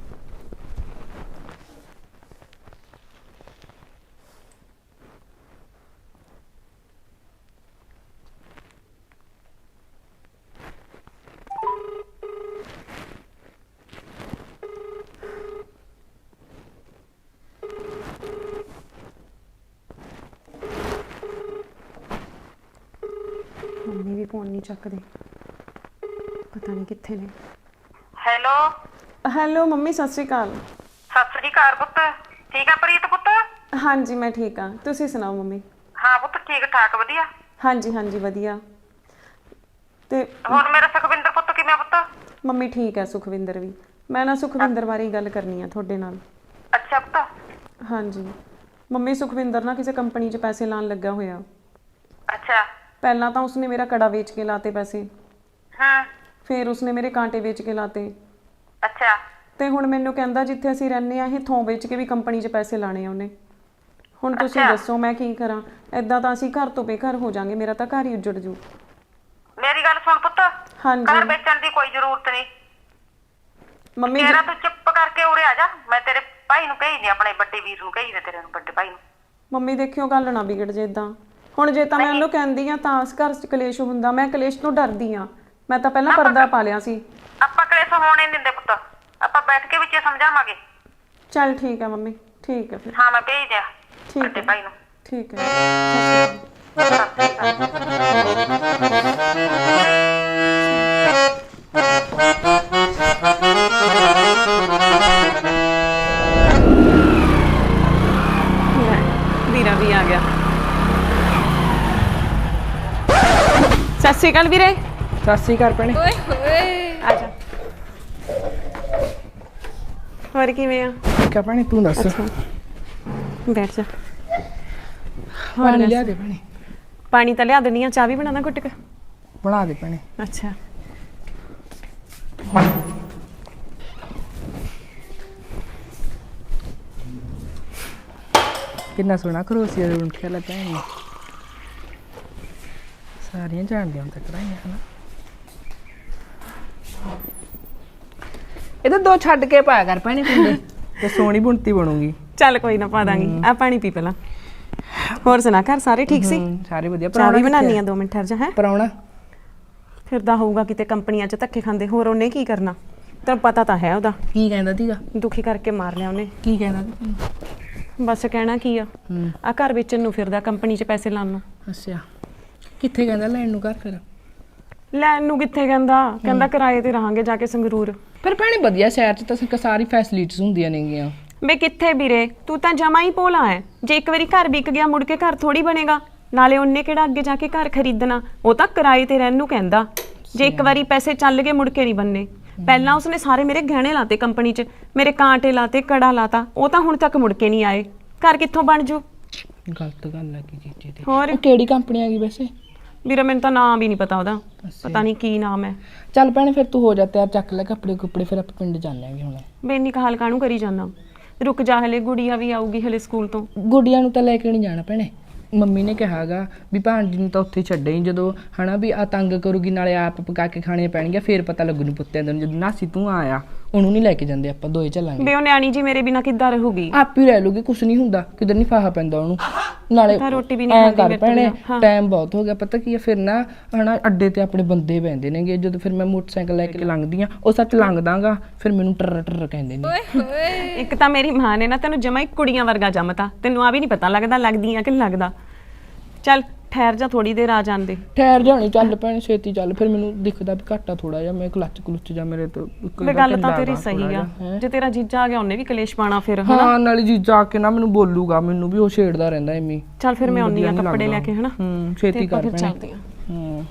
Speaker 4: ਮੰਮੀ ਵੀ ਫੋਨ ਨਹੀਂ ਚੱਕਦੇ ਪਤਾ ਨਹੀਂ ਕਿੱਥੇ ਨੇ
Speaker 5: ਹੈਲੋ
Speaker 4: ਹੈਲੋ ਮੰਮੀ ਸਤਿ ਸ਼੍ਰੀ ਅਕਾਲ
Speaker 5: ਸਤਿ ਸ੍ਰੀ ਅਕਾਲ ਪੁੱਤ ਠੀਕ ਆ ਪ੍ਰੀਤ ਪੁੱਤ
Speaker 4: ਹਾਂਜੀ ਮੈਂ ਠੀਕ ਹਾਂ ਤੁਸੀਂ ਸੁਣਾਓ ਮੰਮੀ
Speaker 5: ਹਾਂ ਪੁੱਤ ਠੀਕ ਠਾਕ ਵਧੀਆ
Speaker 4: ਹਾਂਜੀ ਹਾਂਜੀ ਵਧੀਆ ਤੇ
Speaker 5: ਹੁਣ ਮੇਰਾ ਸੁਖਵਿੰਦਰ ਪੁੱਤ ਕਿਵੇਂ ਆ ਪੁੱਤ
Speaker 4: ਮੰਮੀ ਠੀਕ ਹੈ ਸੁਖਵਿੰਦਰ ਵੀ ਮੈਂ ਨਾ ਸੁਖਵਿੰਦਰ ਬਾਰੇ ਹੀ ਗੱਲ ਕਰਨੀ ਆ ਤੁਹਾਡੇ ਨਾਲ
Speaker 5: ਅੱਛਾ ਪੁੱਤ
Speaker 4: ਹਾਂਜੀ ਮੰਮੀ ਸੁਖਵਿੰਦਰ ਨਾ ਕਿਸੇ ਕੰਪਨੀ 'ਚ ਪੈਸੇ ਲਾਣ ਲੱਗਾ ਹੋਇਆ
Speaker 5: ਅੱਛਾ
Speaker 4: ਪਹਿਲਾਂ ਤਾਂ ਉਸਨੇ ਮੇਰਾ ਕੜਾ ਵੇਚ ਕੇ ਲਾਤੇ ਪੈਸੇ
Speaker 5: ਹਾਂ
Speaker 4: ਫਿਰ ਉਸਨੇ ਮੇਰੇ ਕਾਂਟੇ ਵੇਚ ਕੇ ਲਾਤੇ
Speaker 5: ਅੱਛਾ
Speaker 4: ਤੇ ਹੁਣ ਮੈਨੂੰ ਕਹਿੰਦਾ ਜਿੱਥੇ ਅਸੀਂ ਰਹਿੰਦੇ ਆ ਇਹ ਥੋਂ ਵੇਚ ਕੇ ਵੀ ਕੰਪਨੀ 'ਚ ਪੈਸੇ ਲਾਣੇ ਆ ਉਹਨੇ ਹੁਣ ਤੁਸੀਂ
Speaker 5: ਅੱਛਾ।
Speaker 4: ਦੱਸੋ ਮੈਂ ਕੀ ਕਰਾਂ ਐਦਾਂ ਤਾਂ ਅਸੀਂ ਘਰ ਤੋਂ ਬੇਘਰ ਹੋ ਜਾਾਂਗੇ ਮੇਰਾ ਤਾਂ ਘਰ ਹੀ ਉੱਜੜ ਜੂ
Speaker 5: ਮੇਰੀ ਗੱਲ ਸੁਣ ਪੁੱਤ
Speaker 4: ਹਾਂਜੀ
Speaker 5: ਘਰ ਵੇਚਣ ਦੀ ਕੋਈ ਜ਼ਰੂਰਤ ਨਹੀਂ
Speaker 4: ਮੰਮੀ
Speaker 5: ਤੇਰਾ ਤੂੰ ਚੁੱਪ ਕਰਕੇ ਉਰੇ ਆ ਜਾ ਮੈਂ ਤੇਰੇ ਭਾਈ ਨੂੰ ਕਹੀ ਦੇ ਆਪਣੇ ਵੱਡੇ ਵੀਰ ਨੂੰ ਕਹੀ ਦੇ ਤੇਰੇ ਨੂੰ ਵੱਡੇ ਭਾਈ ਨੂੰ
Speaker 4: ਮੰਮੀ ਦੇਖਿਓ ਗੱਲ ਨਾ ਵਿਗੜ ਜੇ ਇਦਾਂ। ਹੁਣ ਜੇ ਤਾਂ ਮੈਂ ਉਹਨੂੰ ਕਹਿੰਦੀ ਆ ਤਾਂ ਇਸ ਘਰ 'ਚ ਕਲੇਸ਼ ਹੁੰਦਾ। ਮੈਂ ਕਲੇਸ਼ ਤੋਂ ਡਰਦੀ ਆ। ਮੈਂ ਤਾਂ ਪਹਿਲਾਂ ਪਰਦਾ ਪਾ ਲਿਆ ਸੀ।
Speaker 5: ਆਪਾਂ ਕਲੇਸ਼ ਹੋਣ ਨਹੀਂ ਦਿੰਦੇ ਪੁੱਤ, ਆਪਾਂ ਬੈਠ ਕੇ ਵਿੱਚ ਸਮਝਾਵਾਂਗੇ।
Speaker 4: ਚੱਲ ਠੀਕ ਹੈ ਮੰਮੀ, ਠੀਕ ਹੈ ਫਿਰ।
Speaker 5: ਹਾਂ ਮੈਂ ਭੇਜ ਦਿਆਂ
Speaker 4: ਠੀਕ
Speaker 5: ਵੱਡੇ
Speaker 4: ਹੈ
Speaker 5: ਭਾਈ ਨੂੰ।
Speaker 4: ਠੀਕ ਹੈ।
Speaker 5: ਸਤਿ ਸ਼੍ਰੀ ਅਕਾਲ।
Speaker 4: ਵੀਰਾ ਵੀ ਆ ਗਿਆ। ਸਤਿ ਸ਼੍ਰੀ ਅਕਾਲ ਵੀਰੇ।
Speaker 3: ਸਤਿ ਸ਼੍ਰੀ ਅਕਾਲ ਭੈਣੇ।
Speaker 2: ਓਏ ਹੋਏ
Speaker 4: ਆ ਜਾ। ਹੋਰ ਕਿਵੇਂ ਆ?
Speaker 3: ਠੀਕ ਆ ਭੈਣੇ, ਤੂੰ ਦੱਸ।
Speaker 4: ਬੈਠ ਜਾ।
Speaker 3: ਪਾਣੀ ਲਿਆ ਦੇ ਭੈਣੇ।
Speaker 4: ਪਾਣੀ ਤਾਂ ਲਿਆ ਦਿੰਦੀ ਆ। ਚਾਹ ਵੀ ਬਣਾਉਣਾ ਘੁੱਟ ਕੇ?
Speaker 3: ਬਣਾ ਦੇ ਭੈਣੇ।
Speaker 4: ਅੱਛਾ।
Speaker 3: ਕਿੰਨਾ ਸੋਹਣਾ ਖਰੋਸੀਆ ਦਾ ਰੁੰਠਿਆ ਲੱਗਾ ਹੈ। ਸਾਰੀਆਂ ਜਾਣਦੀਆਂ ਹੁਣ ਤੱਕ ਰਾਈਆਂ ਹਨਾ। ਇਹਦੇ ਦੋ ਛੱਡ ਕੇ ਪਾਇਆ ਕਰ ਭੈਣੇ ਪਿੰਡੇ ਤੇ ਸੋਹਣੀ ਬੁਣਤੀ ਬਣੂਗੀ।
Speaker 4: ਚੱਲ ਕੋਈ ਨਾ ਪਾ ਦਾਂਗੀ। ਆ ਪਾਣੀ ਪੀ ਪਹਿਲਾਂ। ਹੋਰ ਸੁਣਾ, ਘਰ ਸਾਰੇ ਠੀਕ ਸੀ?
Speaker 3: ਹੂੰ, ਸਾਰੇ ਵਧੀਆ।
Speaker 4: ਚਾਹ ਵੀ ਬਣਾਉਣੀ ਆ, ਦੋ ਮਿੰਟ ਠਹਿਰ ਜਾ। ਹੈ
Speaker 3: ਪਰਾਉਣਾ
Speaker 4: ਫਿਰਦਾ ਹੋਊਗਾ ਕਿਤੇ ਕੰਪਨੀਆਂ 'ਚ ਧੱਕੇ ਖਾਂਦੇ। ਹੋਰ ਉਹਨੇ ਕੀ ਕਰਨਾ, ਤੈਨੂੰ ਪਤਾ ਤਾਂ ਹੈ ਉਹਦਾ।
Speaker 3: ਕੀ ਕਹਿੰਦਾ ਸੀਗਾ?
Speaker 4: ਦੁਖੀ ਕਰਕੇ ਮਾਰ ਲਿਆ ਉਹਨੇ।
Speaker 3: ਕੀ ਕਹਿੰਦਾ ਸੀ?
Speaker 4: ਬਸ ਕਹਿਣਾ ਕੀ ਆ,
Speaker 3: ਹੂੰ।
Speaker 4: ਆ ਘਰ ਵੇਚਣ ਨੂੰ ਫਿਰਦਾ ਕੰਪਨੀ 'ਚ ਪੈਸੇ ਲਾਉਣ ਨੂੰ।
Speaker 3: ਅੱਛਾ, ਕਿੱਥੇ ਕਹਿੰਦਾ ਲੈਣ ਨੂੰ ਘਰ? ਫਿਰ
Speaker 4: ਲੈਣ ਨੂੰ ਕਿੱਥੇ ਕਹਿੰਦਾ, ਕਹਿੰਦਾ ਕਿਰਾਏ ਤੇ ਰਹਾਂਗੇ ਜਾ ਕੇ ਸੰਗਰੂਰ।
Speaker 3: ਪਰ ਭੈਣੇ ਵਧੀਆ ਸ਼ਹਿਰ 'ਚ ਤਾਂ ਸਾਰੀ ਫੈਸਿਲਿਟੀਜ਼ ਹੁੰਦੀਆਂ ਨੇਗੀਆਂ।
Speaker 4: ਬੇ ਕਿੱਥੇ ਵੀਰੇ, ਤੂੰ ਤਾਂ ਜਮਾ ਹੀ ਭੋਲਾ ਹੈ। ਜੇ ਇੱਕ ਵਾਰੀ ਘਰ ਵਿਕ ਗਿਆ ਮੁੜ ਕੇ ਘਰ ਥੋੜੀ ਬਣੇਗਾ। ਨਾਲੇ ਉਹਨੇ ਕਿਹੜਾ ਅੱਗੇ ਜਾ ਕੇ ਘਰ ਖਰੀਦਣਾ, ਉਹ ਤਾਂ ਕਿਰਾਏ ਤੇ ਰਹਿਣ ਨੂੰ ਕਹਿੰਦਾ। ਜੇ ਇੱਕ ਵਾਰੀ ਪੈਸੇ ਚੱਲ ਗਏ ਮੁੜ ਕੇ ਨਹੀਂ ਬੰਨੇ। ਪਹਿਲਾਂ ਉਸਨੇ ਸਾਰੇ ਮੇਰੇ ਗਹਿਣੇ ਲਾਤੇ ਕੰਪਨੀ 'ਚ, ਮੇਰੇ ਕਾਂਟੇ ਲਾਤੇ, ਕੜਾ ਲਾਤਾ। ਉਹ ਤਾਂ ਹੁਣ ਤੱਕ ਮੁੜ ਕੇ ਨਹੀਂ ਆਏ। ਘਰ ਕਿੱਥੋਂ ਬਣ ਜੂ?
Speaker 3: ਗਲਤ ਗੱਲ ਹੈ ਕੀ ਚੀਜ਼ ਦੀ।
Speaker 4: ਹੋਰ
Speaker 3: ਉਹ ਕਿਹੜੀ ਕੰਪਨੀ ਆ ਗਈ ਵੈਸੇ?
Speaker 4: ਵੀਰੇ ਮੈਨੂੰ ਤਾਂ ਨਾਮ ਵੀ ਨਹੀਂ ਪਤਾ ਉਹਦਾ। ਪਤਾ ਨਹੀਂ ਕੀ ਨਾਮ ਹੈ।
Speaker 3: ਚੱਲ ਭੈਣੇ ਫਿਰ ਤੂੰ ਹੋ ਜਾ ਤਿਆਰ, ਚੱਕ ਲੈ ਕੱਪੜੇ ਕੁੱਪੜੇ, ਫਿਰ ਆਪਾਂ ਪਿੰਡ ਚੱਲਾਂਗੇ ਹੁਣ।
Speaker 4: ਬੇ ਇੰਨੀ ਕਹਾਲ ਕਾਹਨੂੰ ਕਰੀ ਜਾਂਦਾ? ਰੁਕ ਜਾ, ਹਲੇ ਗੁੜੀਆ ਵੀ ਆਊਗੀ ਹਲੇ ਸਕੂਲ ਤੋਂ।
Speaker 3: ਗੁੱਡੀਆਂ ਨੂੰ ਤਾਂ ਲੈ ਕੇ ਨਹੀਂ ਜਾਣਾ ਭੈਣੇ। ਮੰਮੀ ਨੇ ਕਿਹਾਗਾ ਵੀ ਭਾਂਜੀ ਨੂੰ ਤਾਂ ਉੱਥੇ ਛੱਡੇ ਹੀ, ਜਦੋਂ ਹਨਾ ਵੀ ਆ ਤੰਗ ਕਰੂਗੀ ਨਾਲੇ ਆਪ ਪਕਾ ਕੇ ਖਾਣੀਆਂ ਪੈਣਗੀਆਂ, ਫੇਰ ਪਤਾ ਲੱਗੂ ਨੂੰ ਪੁੱਤਿਆਂ ਨੂੰ। ਜਦੋਂ ਨਾਸੀ ਤੂੰ ਆਇਆ ਉਹਨੂੰ ਨਹੀਂ ਲੈ ਕੇ ਜਾਂਦੇ, ਆਪਾਂ ਦੋਏ ਚੱਲਾਂਗੇ।
Speaker 4: ਬੇ ਉਹ ਨਿਆਣੀ ਜੀ ਮੇਰੇ ਬਿਨਾ ਕਿੱਦਾਂ ਰਹੂਗੀ?
Speaker 3: ਆਪ ਹੀ ਰਹਿ ਲੂਗੀ, ਕੁਛ ਨਹੀਂ ਹੁੰਦਾ, ਕਿਧਰ ਨਹੀਂ ਫਾਹਾ ਪੈਂਦਾ ਉਹਨੂੰ। ਨਾਲੇ
Speaker 4: ਤਾਂ ਰੋਟੀ ਵੀ ਨਹੀਂ
Speaker 3: ਐਂ
Speaker 4: ਖਾਂਦੀ
Speaker 3: ਕਰ
Speaker 4: ਮੇਰੇ ਤੋਂ
Speaker 3: ਭੈਣੇ,
Speaker 4: ਬਿਨਾਂ। ਹਾਂ।
Speaker 3: ਟਾਈਮ ਬਹੁਤ ਹੋ ਗਿਆ। ਪਤਾ ਕੀ ਆ, ਫਿਰ ਨਾ ਹਨਾ ਅੱਡੇ ਤੇ ਆਪਣੇ ਬੰਦੇ ਪੈਂਦੇ ਨੇਗੇ। ਜਦੋਂ ਫਿਰ ਮੈਂ ਮੋਟਰਸਾਈਕਲ ਲੈ ਕੇ ਲੰਘਦੀ ਆ, ਉਹ ਸੱਚ ਲੰਘਦਾਗਾ, ਫਿਰ ਮੈਨੂੰ ਟਰ ਟਰ ਕਹਿੰਦੇ ਨੇ।
Speaker 2: ਓਏ ਹੋਏ
Speaker 4: ਇੱਕ ਤਾਂ ਮੇਰੀ ਮਾਂ ਨੇ ਨਾ ਤੈਨੂੰ ਜਮਾ ਹੀ ਕੁੜੀਆਂ ਵਰਗਾ ਜੰਮਤਾ। ਤੈਨੂੰ ਆ ਵੀ ਨਹੀਂ ਪਤਾ ਲੱਗਦਾ ਲੱਗਦੀ ਆ ਕਿ ਨਹੀਂ ਲੱਗਦਾ। ਚੱਲ ਠਹਿਰ ਜਾ, ਥੋੜੀ ਦੇਰ ਆ ਜਾਂਦੇ।
Speaker 3: ਠਹਿਰ ਜਾਣੀ, ਚੱਲ ਭੈਣੇ ਛੇਤੀ ਚੱਲ। ਫਿਰ ਮੈਨੂੰ ਦਿਖਦਾ ਵੀ ਘਾਟਾ ਥੋੜਾ ਜਿਹਾ, ਮੈਂ ਕਲੱਚ ਕਲੁੱਚ ਜਾ ਮੇਰੇ ਤੋਂ।
Speaker 4: ਬੇ ਗੱਲ ਤਾਂ ਤੇਰੀ ਸਹੀ ਆ। ਜੇ ਤੇਰਾ ਜੀਜਾ ਆ ਗਿਆ ਉਹਨੇ ਵੀ ਕਲੇਸ਼ ਪਾਣਾ ਫਿਰ, ਹਨਾ?
Speaker 3: ਹਾਂ, ਨਾਲੇ ਜੀਜਾ ਆ ਕੇ ਨਾ ਮੈਨੂੰ ਬੋਲੂਗਾ, ਮੈਨੂੰ ਵੀ ਉਹ ਛੇੜਦਾ ਰਹਿੰਦਾ ਐਵੇਂ।
Speaker 4: ਚੱਲ ਫਿਰ ਮੈਂ ਆਉਣੀ ਆ ਕੱਪੜੇ ਲੈ ਕੇ, ਹਨਾ?
Speaker 3: ਹੂੰ, ਛੇਤੀ ਕਰ
Speaker 4: ਫਿਰ
Speaker 3: ਭੈਣੇ।
Speaker 4: ਚੱਲਦੇ ਆ।
Speaker 3: ਹੂੰ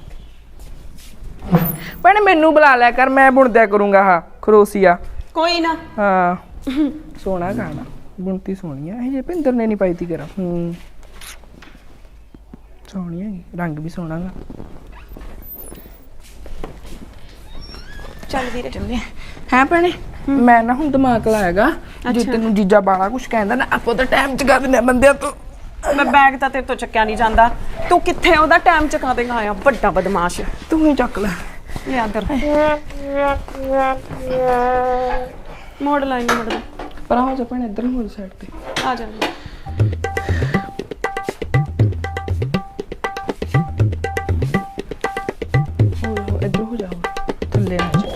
Speaker 3: ਭੈਣੇ ਮੈਨੂੰ ਬੁਲਾ ਲਿਆ ਕਰ, ਮੈਂ ਬੁਣਦਿਆ ਕਰੂੰਗਾ। ਹਾਂ ਖਰੋਸੀਆ।
Speaker 4: ਕੋਈ ਨਾ।
Speaker 3: ਹਾਂ ਸੋਹਣਾ ਗਾਣਾ, ਬੁਣਤੀ ਸੋਹਣੀ ਆ। ਇਹ ਜੇ ਭਿੰਦਰ ਨੇ ਨਹੀਂ ਪਾਈ ਤੀ ਕਰਾਂ। ਹੂੰ ਸੋਹਣੀ ਹੈਗੀ, ਰੰਗ ਵੀ ਸੋਹਣਾ ਗਾ।
Speaker 4: ਚੱਲ ਵੀਰੇ ਚੱਲਦੇ ਆ।
Speaker 3: ਹੈ ਭੈਣੇ, ਮੈਂ ਨਾ ਹੁਣ ਦਿਮਾਗ ਲਾਇਆਗਾ, ਜੇ ਤੈਨੂੰ ਜੀਜਾ ਬਾਲਾ ਕੁਛ ਕਹਿੰਦਾ ਨਾ, ਆਪਾਂ ਤਾਂ ਟਾਈਮ ਚ ਕਰ ਦਿੰਦੇ ਬੰਦਿਆਂ ਤੋਂ।
Speaker 4: ਮੈਂ ਬੈਗ ਤਾਂ ਤੇਰੇ ਤੋਂ ਚੱਕਿਆ ਨਹੀਂ ਜਾਂਦਾ। ਤੂੰ ਕਿੱਥੇ ਉਹਦਾ ਟਾਈਮ ਚਕਾ ਦੇਗਾ? ਆਇਆ ਵੱਡਾ ਬਦਮਾਸ਼।
Speaker 3: ਤੂੰ ਹੀ ਚੱਕ ਲੈ।
Speaker 4: ਲੈ ਅੰਦਰ ਮੋੜ ਲਾਈ ਨਹੀਂ ਮੋੜਦਾ।
Speaker 3: ਪਰ ਹੋ ਜਾ ਭੈਣੇ, ਇੱਧਰ ਨੂੰ ਹੋ ਸਾਈਡ ਤੇ
Speaker 4: ਆ ਜਾ।
Speaker 3: ਹੋ ਜਾ, ਇੱਧਰ ਹੋ ਜਾ, ਥੱਲੇ ਆ ਜਾ।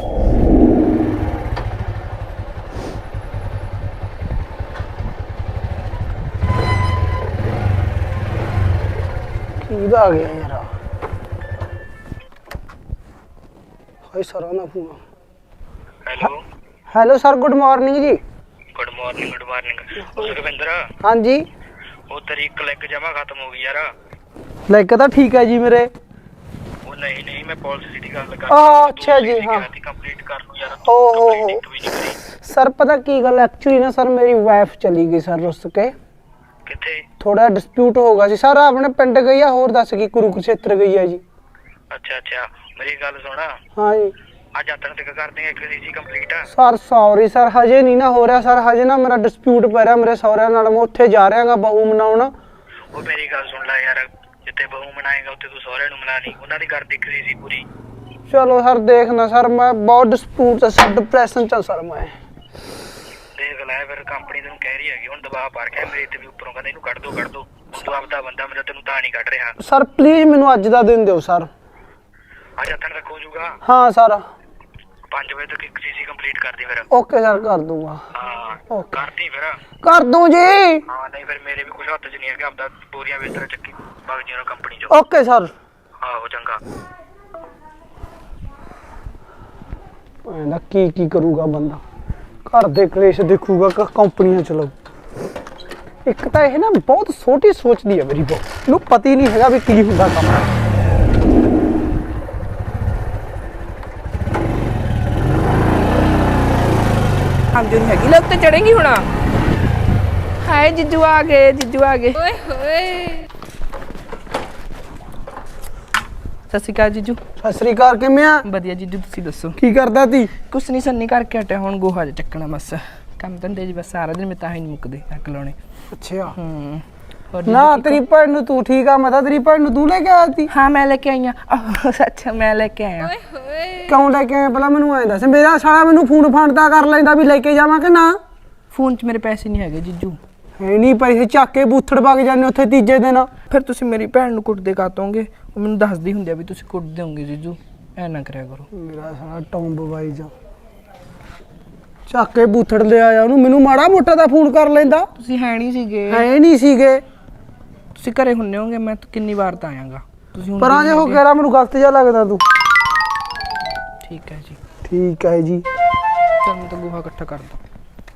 Speaker 1: ਕਿਹਦਾ ਆ ਗਿਆ ਯਾਰ? ਹਾਈ ਸਰ ਆਣਾ phone.
Speaker 6: Hello
Speaker 1: hello sir, good morning ਜੀ।
Speaker 6: ਗੁੱਡ ਮਾਰਨਿੰਗ ਗੁੱਡ ਮਾਰਨਿੰਗ ਉਹ ਸੁਖਵਿੰਦਰ,
Speaker 1: ਹਾਂਜੀ।
Speaker 6: ਉਹ ਤੇਰੀ ਕਲਿੱਕ ਜਮਾ ਖਤਮ ਹੋ ਗਈ ਯਾਰ।
Speaker 1: ਲਾਈਕ ਤਾਂ ਠੀਕ ਹੈ ਜੀ ਮੇਰੇ।
Speaker 6: ਉਹ ਨਹੀਂ ਨਹੀਂ, ਮੈਂ ਪਾਲਿਸੀ ਦੀ ਗੱਲ ਕਰ
Speaker 1: ਆਹ, ਅੱਛਾ ਜੀ, ਹਾਂ।
Speaker 6: ਕੰਪਲੀਟ ਕਰ ਲੂ ਯਾਰ।
Speaker 1: ਓ ਹੋ ਹੋ
Speaker 6: ਇੱਕ ਵੀ ਨਹੀਂ ਕਰੀ।
Speaker 1: ਸਰ ਪਤਾ ਕੀ ਗੱਲ, ਐਕਚੁਅਲੀ ਨਾ ਸਰ ਮੇਰੀ ਵਾਈਫ ਚਲੀ ਗਈ ਸਰ ਰੁੱਸ ਕੇ।
Speaker 6: ਕਿੱਥੇ?
Speaker 1: ਥੋੜਾ ਡਿਸਪਿਊਟ ਹੋ ਗਿਆ ਸੀ ਸਰ। ਆਪਣੇ ਪਿੰਡ ਗਈ ਆ, ਹੋਰ ਦੱਸ ਕੀ ਕੁਰੂਕਸ਼ੇਤਰ ਗਈ ਆ ਜੀ।
Speaker 6: ਅੱਛਾ ਅੱਛਾ, ਮੇਰੀ ਗੱਲ ਸੁਣਾ,
Speaker 1: ਹਾਂ ਜੀ
Speaker 6: ਅੱਜ ਆਤਣ ਤੱਕ ਕਰ ਦੇਂਗੇ ਇੱਕ ਸੀ ਕੰਪਲੀਟ।
Speaker 1: ਸਰ ਸੌਰੀ ਸਰ, ਹਜੇ ਨਹੀਂ ਨਾ ਹੋ ਰਿਹਾ ਸਰ। ਹਜੇ ਨਾ ਮੇਰਾ ਡਿਸਪਿਊਟ ਪੈ ਰਿਹਾ ਮੇਰੇ ਸਹੁਰਿਆਂ ਨਾਲ। ਮੈਂ ਉੱਥੇ ਜਾ ਰਿਹਾਗਾ ਬਹੂ ਮਨਾਉਣ।
Speaker 6: ਉਹ ਮੇਰੀ ਗੱਲ ਸੁਣ ਲੈ ਯਾਰ, ਜਿੱਥੇ ਬਹੂ ਮਨਾਏਗਾ ਉੱਥੇ ਤੂੰ ਸਹੁਰਿਆਂ ਨੂੰ ਮਨਾ ਲਈ। ਉਹਨਾਂ ਦੀ ਘਰ ਦਿਖ ਰਹੀ ਸੀ ਪੂਰੀ।
Speaker 1: ਚਲੋ ਸਰ ਦੇਖਣਾ ਸਰ, ਮੈਂ ਬਹੁਤ ਡਿਸਪਿਊਟ ਚ ਸਰ, ਡਿਪਰੈਸ਼ਨ ਚ ਸਰ ਮੈਂ।
Speaker 6: ਦੇਖ ਲੈ ਫਿਰ, ਫਿਰ ਕੰਪਨੀ ਤੈਨੂੰ ਕਹਿ ਰਹੀ ਹੈਗੀ, ਹੁਣ ਦਬਾਅ ਪਾ ਰਿਹਾ ਮੇਰੇ ਤੇ ਵੀ ਉੱਪਰੋਂ, ਕਹਿੰਦੇ ਇਹਨੂੰ ਕੱਢ ਦੋ ਕੱਢ ਦੋ। ਤੂੰ ਆਪਦਾ ਬੰਦਾ, ਮੇਰਾ ਤੈਨੂੰ ਤਾਂ ਨਹੀਂ ਕੱਢ ਰਿਹਾ।
Speaker 1: ਸਰ ਪਲੀਜ਼ ਮੈਨੂੰ ਅੱਜ ਦਾ ਦਿਨ ਦਿਓ ਸਰ।
Speaker 6: ਅੱਜ ਹੱਥਣ ਤੱਕ ਹੋ ਜਾਊਗਾ।
Speaker 1: ਹਾਂ ਸਰ।
Speaker 6: ਪੰਜ ਵਜੇ ਤੱਕ ਇੱਕ ਸੀਸੀ ਕੰਪਲੀਟ ਕਰ ਦੇ ਫਿਰ।
Speaker 1: ਓਕੇ ਸਰ ਕਰ ਦੂੰਗਾ।
Speaker 6: ਹਾਂ ਕਰਦੀ ਫਿਰ।
Speaker 1: ਕਰ ਦੂੰ ਜੀ।
Speaker 6: ਹਾਂ ਨਹੀਂ ਫਿਰ ਮੇਰੇ ਵੀ ਕੁਝ ਹੱਥ 'ਚ ਨਹੀਂ ਹੈਗਾ, ਆਪਦਾ ਬੋਰੀਆਂ ਵੇਚਣਾ ਚੱਕੀ ਭਗ ਜੀ ਉਹਨਾਂ ਕੰਪਨੀ 'ਚੋਂ।
Speaker 1: Okay sir.
Speaker 6: ਆਹੋ ਚੰਗਾ।
Speaker 1: ਇਹਦਾ ਕੀ ਕੀ ਕਰੂਗਾ ਬੰਦਾ, ਘਰ ਦੇ ਕਲੇਸ਼ ਦੇਖੂਗਾ ਕਿ ਕੰਪਨੀਆਂ ਚਲਾਊ। ਇੱਕ ਤਾਂ ਇਹ ਨਾ ਬਹੁਤ ਛੋਟੀ ਸੋਚਦੀ ਹੈ ਮੇਰੀ ਬਹੁਤ, ਇਹਨੂੰ ਪਤਾ ਹੀ ਨਹੀਂ ਹੈਗਾ ਵੀ ਕੀ ਹੁੰਦਾ ਕੰਮ।
Speaker 3: ਆਮ ਜੋ ਨਹੀਂ ਹੈਗੀ ਲੈ ਉੱਤੇ ਚੜੇਂਗੀ ਹੁਣ। ਹਾਏ ਜੀਜੂ ਆ ਗਏ, ਜੀਜੂ ਆ ਗਏ।
Speaker 2: ਓਏ ਹੋਏ
Speaker 3: ਸਤਿ ਸ਼੍ਰੀ ਅਕਾਲ ਜੀਜੂ।
Speaker 1: ਸਤਿ ਸ੍ਰੀ ਅਕਾਲ, ਕਿਵੇਂ ਆ?
Speaker 3: ਵਧੀਆ ਜੀਜੂ, ਤੁਸੀਂ ਦੱਸੋ?
Speaker 1: ਕੀ ਕਰਦਾ ਤੀ?
Speaker 3: ਕੁਛ ਨਹੀਂ, ਸੰਨੀ ਕਰਕੇ ਹਟਿਆ, ਹੁਣ ਗੋਹਾ ਜਿਹਾ ਚੱਕਣਾ ਬਸ। ਕੰਮ ਧੰਦੇ ਜੀ ਬਸ ਸਾਰਾ ਦਿਨ ਮੈਂ ਤਾਂ ਹੀ ਨਹੀਂ ਮੁੱਕਦੇ ਅੱਕ ਲਾਉਣੇ।
Speaker 1: ਅੱਛਾ।
Speaker 3: ਹੂੰ
Speaker 1: ਨਾ ਤੇਰੀ ਭੈਣ ਨੂੰ ਤੂੰ ਠੀਕ ਆ, ਮੈਂ ਤਾਂ ਤੇਰੀ ਭੈਣ ਨੂੰ ਤੂੰ ਲੈ ਕੇ ਆਇਆ ਸੀ।
Speaker 3: ਹਾਂ ਮੈਂ ਲੈ ਕੇ ਆਈ ਆ। ਸੱਚ ਮੈਂ ਲੈ ਕੇ ਆਇਆ।
Speaker 2: ਓਏ ਹੋਏ
Speaker 1: ਕਿਉਂ ਲੈ ਕੇ ਆਇਆ ਪਹਿਲਾਂ ਮੈਨੂੰ ਐਂ ਦੱਸ। ਮੇਰਾ ਸਾਲਾ ਮੈਨੂੰ ਫੋਨ ਫਾਨਤਾ ਕਰ ਲੈਂਦਾ ਵੀ ਲੈ ਕੇ ਜਾਵਾਂ ਕਿ ਨਾ।
Speaker 3: ਫੋਨ 'ਚ ਮੇਰੇ ਪੈਸੇ ਨਹੀਂ ਹੈਗੇ ਜੀਜੂ।
Speaker 1: ਹੈ ਨਹੀਂ ਪੈਸੇ, ਚੱਕ ਕੇ ਬੂਥੜ ਵਗ ਜਾਂਦੇ ਉੱਥੇ ਤੀਜੇ ਦਿਨ।
Speaker 3: ਫਿਰ ਤੁਸੀਂ ਮੇਰੀ ਭੈਣ ਨੂੰ ਕੁੱਟਦੇ ਕਾਤੋਂਗੇ? ਉਹ ਮੈਨੂੰ ਦੱਸਦੀ ਹੁੰਦੀ ਆ ਵੀ ਤੁਸੀਂ ਕੁੱਟ ਦਿਓਗੇ ਜੀਜੂ, ਐ ਨਾ ਕਰਿਆ ਕਰੋ।
Speaker 1: ਮੇਰਾ ਸਾਲਾ ਟੌਂਬ ਬਾਈ ਜਾ ਚੱਕ ਕੇ ਬੂਥੜ ਲਿਆ ਆ ਉਹਨੂੰ। ਮੈਨੂੰ ਮਾੜਾ ਮੋਟਾ ਦਾ ਫੋਨ ਕਰ ਲੈਂਦਾ।
Speaker 3: ਤੁਸੀਂ ਹੈ ਨਹੀਂ ਸੀਗੇ।
Speaker 1: ਹੈ ਨਹੀਂ ਸੀਗੇ।
Speaker 3: ਤੁਸੀਂ ਘਰੇ ਹੁੰਨੇ ਹੋਗੇ, ਮੈਂ ਤਾਂ ਕਿੰਨੀ ਵਾਰ ਤਾਂ ਆਇਆਗਾ। ਤੁਸੀਂ
Speaker 1: ਪਰ ਆਜੇ ਹੋ ਕਹਿ ਰਾ ਮੈਨੂੰ ਗਲਤ ਜਿਹਾ ਲੱਗਦਾ ਤੂੰ।
Speaker 3: ਠੀਕ ਹੈ ਜੀ।
Speaker 1: ਠੀਕ ਹੈ ਜੀ।
Speaker 3: ਚਲ ਮੈਂ ਤਾਂ ਗੋਹਾ ਇਕੱਠਾ ਕਰ ਦਾਂ।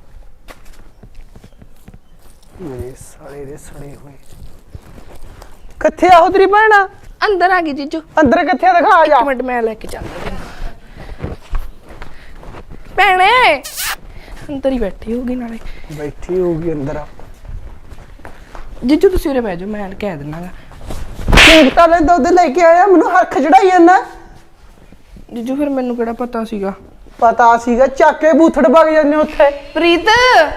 Speaker 1: ਮੇਰੇ ਸਾਲੇ ਦੇ ਸੜੇ ਹੋਏ ਕਿੱਥੇ ਆ ਉਹ ਤੇਰੀ ਭੈਣ?
Speaker 3: ਅੰਦਰ ਆ ਗਈ ਜੀਜੂ।
Speaker 1: ਅੰਦਰ ਕਿੱਥੇ ਦਿਖਾ ਜਾ।
Speaker 3: ਇੱਕ ਮਿੰਟ ਮੈਂ ਲੈ ਕੇ ਚੱਲਦਾ ਤੈਨੂੰ। ਭੈਣੇ ਅੰਦਰ ਹੀ ਬੈਠੀ ਹੋਗੀ ਨਾਲੇ।
Speaker 1: ਬੈਠੀ ਹੋਊਗੀ ਅੰਦਰ।
Speaker 3: ਜੀਜੂ ਤੁਸੀਂ ਉਰੇ ਬਹਿ ਜਾਓ, ਮੈਂ ਕਹਿ ਦਿੰਨਾਗਾ।
Speaker 1: ਠੀਕ ਤਾਂ ਲੈ ਦੁੱਧ ਲੈ ਕੇ ਆਇਆ, ਮੈਨੂੰ ਹਰਖ ਚੜਾਈ ਜਾਂਦਾ।
Speaker 3: ਜੀਜੂ ਫਿਰ ਮੈਨੂੰ ਕਿਹੜਾ ਪਤਾ ਸੀਗਾ?
Speaker 1: ਪਤਾ ਸੀਗਾ, ਚੱਕ ਕੇ ਬੂਥੜ ਵਗ ਜਾਂਦੇ ਉੱਥੇ।
Speaker 3: ਪ੍ਰੀਤ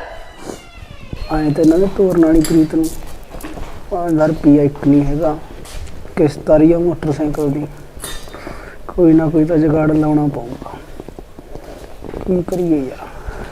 Speaker 1: ਆਏ ਤੇ ਇਹਨਾਂ ਦੇ ਤੋਰਨ ਵਾਲੀ ਪ੍ਰੀਤ ਨੂੰ ਪੰਜ ਹਜ਼ਾਰ ਰੁਪਈਆ ਇੱਕ ਨਹੀਂ ਹੈਗਾ। ਕਿਸ਼ਤ ਆ ਰਹੀ ਆ ਮੋਟਰਸਾਈਕਲ ਦੀ, ਕੋਈ ਨਾ ਕੋਈ ਤਾਂ ਜੁਗਾੜ ਲਾਉਣਾ ਪਊਗਾ। ਕੀ ਕਰੀਏ ਯਾਰ,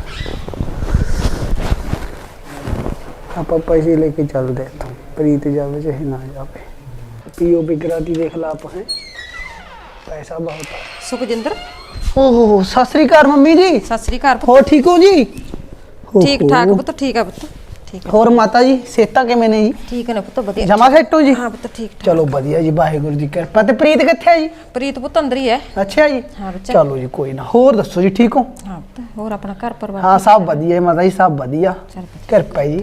Speaker 1: ਆਪਾਂ ਪੈਸੇ ਲੈ ਕੇ ਚੱਲਦੇ ਇੱਥੋਂ। ਪ੍ਰੀਤ ਜਾਵੇ ਚਾਹੇ ਨਾ ਜਾਵੇ। ਪੀਓ ਬਿਗਰਾਤੀ ਦੇਖ ਲਾ ਆਪ ਹੈ, ਪੈਸਾ ਬਹੁਤ ਹੈ।
Speaker 2: ਸੁਖਜਿੰਦਰ
Speaker 1: ਓਹੋ ਸਤਿ ਸ੍ਰੀ ਅਕਾਲ ਮੰਮੀ ਜੀ।
Speaker 2: ਸਤਿ ਸ੍ਰੀ ਅਕਾਲ ਪੁੱਤ।
Speaker 1: ਹੋਰ ਠੀਕ ਹੋ ਜੀ?
Speaker 2: ਠੀਕ ਠਾਕ ਪੁੱਤ, ਠੀਕ ਆ ਪੁੱਤ, ਠੀਕ ਆ।
Speaker 1: ਹੋਰ ਮਾਤਾ ਜੀ ਸਿਹਤਾਂ ਕਿਵੇਂ ਨੇ ਜੀ?
Speaker 2: ਠੀਕ ਨੇ ਪੁੱਤ, ਵਧੀਆ।
Speaker 1: ਜਮਾ ਸੈੱਟ ਹੋ ਜੀ?
Speaker 2: ਹਾਂ ਪੁੱਤ ਠੀਕ ਠਾਕ।
Speaker 1: ਚਲੋ ਵਧੀਆ ਜੀ, ਵਾਹਿਗੁਰੂ ਦੀ ਕਿਰਪਾ। ਤੇ ਪ੍ਰੀਤ ਕਿੱਥੇ ਹੈ ਜੀ?
Speaker 2: ਪ੍ਰੀਤ ਪੁੱਤ ਅੰਦਰ ਹੀ ਹੈ।
Speaker 1: ਅੱਛਾ ਜੀ।
Speaker 2: ਹਾਂ ਬੱਚਾ।
Speaker 1: ਚਲੋ ਜੀ ਕੋਈ ਨਾ। ਹੋਰ ਦੱਸੋ ਜੀ, ਠੀਕ ਹੋ?
Speaker 2: ਹਾਂ ਪੁੱਤ, ਹੋਰ ਆਪਣਾ ਘਰ ਪਰਿਵਾਰ?
Speaker 1: ਹਾਂ ਸਭ ਵਧੀਆ ਹੈ ਮਾਤਾ ਜੀ, ਸਭ ਵਧੀਆ,
Speaker 2: ਚੱਲ ਵਧੀਆ।
Speaker 1: ਕਿਰਪਾ ਜੀ।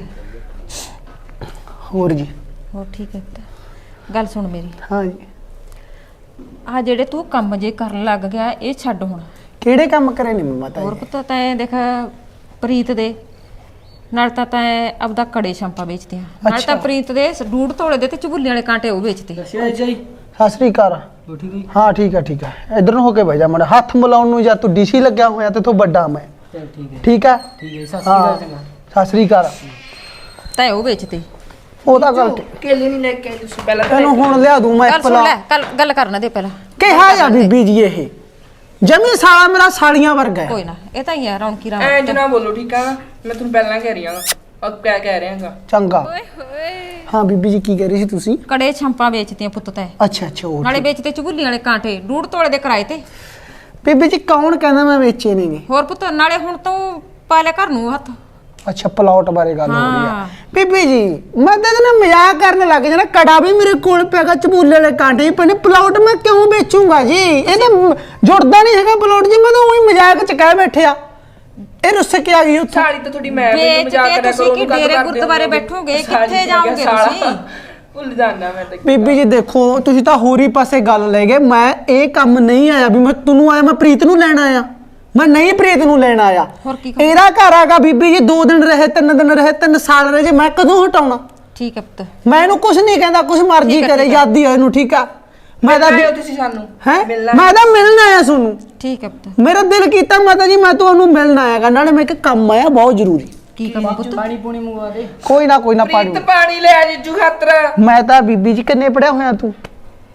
Speaker 1: ਹੋਰ ਜੀ?
Speaker 2: ਹੋਰ ਠੀਕ ਹੈ ਪੁੱਤ। ਗੱਲ ਸੁਣ ਮੇਰੀ,
Speaker 1: ਹਾਂ ਜੀ।
Speaker 2: ਆ ਜਿਹੜੇ ਤੂੰ ਕੰਮ ਜੇ ਕਰਨ ਲੱਗ ਗਿਆ ਇਹ ਛੱਡ ਹੁਣ।
Speaker 1: ਕਿਹੜੇ ਕੰਮ ਕਰੇ ਨੇ ਮਾਤਾ
Speaker 2: ਹੋਰ
Speaker 1: ਜੀ?
Speaker 2: ਪੁੱਤ ਤੈਂ ਦੇਖ ਪ੍ਰੀਤ ਦੇ ਨਾਲ ਤਾਂ ਤੈਂ ਆਪਦਾ ਕੜੇ ਸ਼ੰਪਾ ਵੇਚਦੇ ਆ, ਨਾਲ ਤਾਂ ਪ੍ਰੀਤ ਦੇ ਡੂੜ ਤੋਲੇ ਦੇ ਤੇ ਚਬੁੱਲੇ ਵਾਲੇ ਕਾਂਟੇ ਉਹ ਵੇਚਦੇ।
Speaker 1: ਸਤਿ ਸ੍ਰੀ ਅਕਾਲ। ਹਾਂ ਠੀਕ ਹੈ ਠੀਕ ਹੈ। ਇਧਰ ਨੂੰ ਹੋ ਕੇ ਬਹਿ ਜਾ ਮਾੜਾ। ਹੱਥ ਮਿਲਾਉਣ ਨੂੰ ਜਾਂ ਤੂੰ ਡੀਸੀ ਲੱਗਿਆ ਹੋਇਆ ਤੇ ਤੂੰ ਵੱਡਾ ਮੈਂ। ਠੀਕ ਹੈ ਠੀਕ ਹੈ। ਸਤਿ ਸ੍ਰੀ ਅਕਾਲ।
Speaker 2: ਤੈਂ ਉਹ ਵੇਚਦੇ।
Speaker 1: ਉਹ ਤਾਂ ਗੱਲ
Speaker 3: ਕੇਲੇ ਨਹੀਂ ਲੈ ਕੇ ਆਏ ਤੁਸੀਂ ਪਹਿਲਾਂ?
Speaker 1: ਤੈਨੂੰ ਹੁਣ ਲਿਆ ਦੂੰ ਮੈਂ
Speaker 2: ਗੱਲ ਸੁਣ ਲੈ, ਗੱਲ ਗੱਲ ਕਰਨਾ ਦੇ ਪਹਿਲਾਂ।
Speaker 1: ਕਿਹਾ ਜਾਂ ਬੀਬੀ ਜੀ ਇਹ ਜਮੀ ਸਾਲਾ ਮੇਰਾ ਸਾਲੀਆਂ ਵਰਗਾ ਹੈ।
Speaker 2: ਕੋਈ ਨਾ, ਇਹ ਤਾਂ ਹੀ ਆ ਰੌਣਕੀ ਰਾਮ।
Speaker 3: ਐ ਜਨਾ ਬੋਲੋ ਠੀਕ ਆ, ਮੈਂ ਤੁਹਾਨੂੰ ਪਹਿਲਾਂ ਕਹਿ ਰਹੀ ਹਾਂ। ਉਹ ਕਿਆ ਕਹਿ ਰਿਹਾਗਾ?
Speaker 1: ਚੰਗਾ।
Speaker 2: ਓਏ ਹੋਏ
Speaker 1: ਹਾਂ ਬੀਬੀ ਜੀ ਕੀ ਕਹਿ ਰਹੀ ਸੀ ਤੁਸੀਂ?
Speaker 2: ਕੜੇ ਛੰਪਾ ਵੇਚਦੇ ਆ ਪੁੱਤ ਤੈਂ।
Speaker 1: ਅੱਛਾ ਅੱਛਾ। ਉਹ
Speaker 2: ਨਾਲੇ ਵੇਚਦੇ ਚਬੁੱਲੀ ਵਾਲੇ ਕਾਂਟੇ ਡੂੜ ਤੋਲੇ ਦੇ ਕਿਰਾਏ ਤੇ।
Speaker 1: ਬੀਬੀ ਜੀ ਕੌਣ ਕਹਿੰਦਾ ਮੈਂ ਵੇਚੇ ਨੇਗੇ?
Speaker 2: ਹੋਰ ਪੁੱਤ ਨਾਲੇ ਹੁਣ ਤੂੰ ਪਾ ਲੈ ਘਰ ਨੂੰ ਹੱਥ।
Speaker 1: ਅੱਛਾ ਪਲਾਟ ਬਾਰੇ ਗੱਲ ਹੋ ਰਹੀ
Speaker 2: ਹਾਂ।
Speaker 1: ਹੈ ਬੀਬੀ ਜੀ। ਮੈਂ ਤਾਂ ਨਾ ਮਜ਼ਾਕ ਕਰਨ ਲੱਗ ਜਾਣਾ। ਕੜਾ ਵੀ ਮੇਰੇ ਕੋਲ ਪੈਗਾ, ਚਬੂਲੇ ਵਾਲੇ ਕਾਂਟੇ ਵੀ ਪਏ ਨੇ, ਪਲਾਟ ਮੈਂ ਕਿਉਂ ਵੇਚੂੰਗਾ ਜੀ? ਇਹ ਤਾਂ ਜੁੜਦਾ ਨਹੀਂ ਹੈਗਾ ਪਲਾਟ ਜੀ। ਮੈਂ ਤਾਂ ਉਹੀ ਮਜ਼ਾਕ ਚ ਕਹਿ ਬੈਠਿਆ। ਇਹ ਰੁੱਸ ਕੇ ਆ ਗਈ ਉੱਥੇ।
Speaker 3: ਸਾਲੀ ਤਾਂ ਤੁਹਾਡੀ ਮੈਂ ਮੈਨੂੰ
Speaker 2: ਵੇਚ
Speaker 3: ਮਜ਼ਾਕ
Speaker 2: ਕੇ
Speaker 3: ਕਰਿਆ
Speaker 2: ਤੁਸੀਂ
Speaker 3: ਕਰੋ।
Speaker 2: ਕੀ ਡੇਰੇ ਗੁਰਦੁਆਰੇ ਬੈਠੋਗੇ? ਕਿੱਥੇ ਜਾਓਗੇ ਤੁਸੀਂ?
Speaker 3: ਭੁੱਲ ਜਾਣਾ ਮੈਂ ਤਾਂ।
Speaker 1: ਬੀਬੀ ਜੀ ਦੇਖੋ ਤੁਸੀਂ ਤਾਂ ਹੋਰ ਹੀ ਪਾਸੇ ਗੱਲ ਲੈ ਗਏ। ਮੈਂ ਇਹ ਕੰਮ ਨਹੀਂ ਆਇਆ ਵੀ ਮੈਂ ਤੁਹਾਨੂੰ ਆਇਆ, ਮੈਂ ਪ੍ਰੀਤ ਨੂੰ ਲੈਣ ਆਇਆ। ਮੈਂ ਨਹੀਂ ਪ੍ਰੀਤ ਨੂੰ ਲੈਣ ਆਇਆ।
Speaker 2: ਹੋਰ ਕੀ?
Speaker 1: ਇਹਦਾ ਘਰ ਆਗਾ ਬੀਬੀ ਜੀ। ਦੋ ਦਿਨ ਰਹੇ, ਤਿੰਨ ਦਿਨ ਰਹੇ, ਤਿੰਨ ਸਾਲ ਰਹੇ ਜੇ, ਮੈਂ ਕਦੋਂ ਹਟਾਉਣਾ?
Speaker 2: ਠੀਕ ਹੈ ਪੁੱਤ।
Speaker 1: ਮੈਂ ਇਹਨੂੰ ਕੁਝ ਨਹੀਂ ਕਹਿੰਦਾ, ਕੁਝ ਮਰਜ਼ੀ ਕਰੇ, ਯਾਦੀ ਹੋਏ ਇਹਨੂੰ। ਠੀਕ ਆ। ਮੈਂ ਤਾਂ
Speaker 3: ਆਇਓ ਤੁਸੀਂ ਸਾਨੂੰ
Speaker 1: ਹੈ
Speaker 3: ਮਿਲਣਾ।
Speaker 1: ਮੈਂ ਤਾਂ ਮਿਲਣ ਆਇਆ ਤੁਹਾਨੂੰ।
Speaker 2: ਠੀਕ ਹੈ ਪੁੱਤ।
Speaker 1: ਮੇਰਾ ਦਿਲ ਕੀਤਾ ਮਾਤਾ ਜੀ ਮੈਂ ਤੁਹਾਨੂੰ ਮਿਲਣ ਆਇਆਗਾ। ਨਾਲੇ ਮੈਂ ਇੱਕ ਕੰਮ ਆਇਆ ਬਹੁਤ ਜ਼ਰੂਰੀ।
Speaker 2: ਕੀ ਕੰਮ ਪੁੱਤ?
Speaker 3: ਪਾਣੀ ਪੂਣੀ ਮੰਗਵਾ ਦੇ।
Speaker 1: ਕੋਈ ਨਾ ਕੋਈ ਨਾ ਪਾਣੀ।
Speaker 3: ਪ੍ਰੀਤ ਪਾਣੀ ਲੈ ਜੀਜੂ ਖਾਤਰ।
Speaker 1: ਮੈਂ ਤਾਂ ਬੀਬੀ ਜੀ ਕਿੰਨੇ ਪੜਿਆ ਹੋਇਆ ਤੂੰ?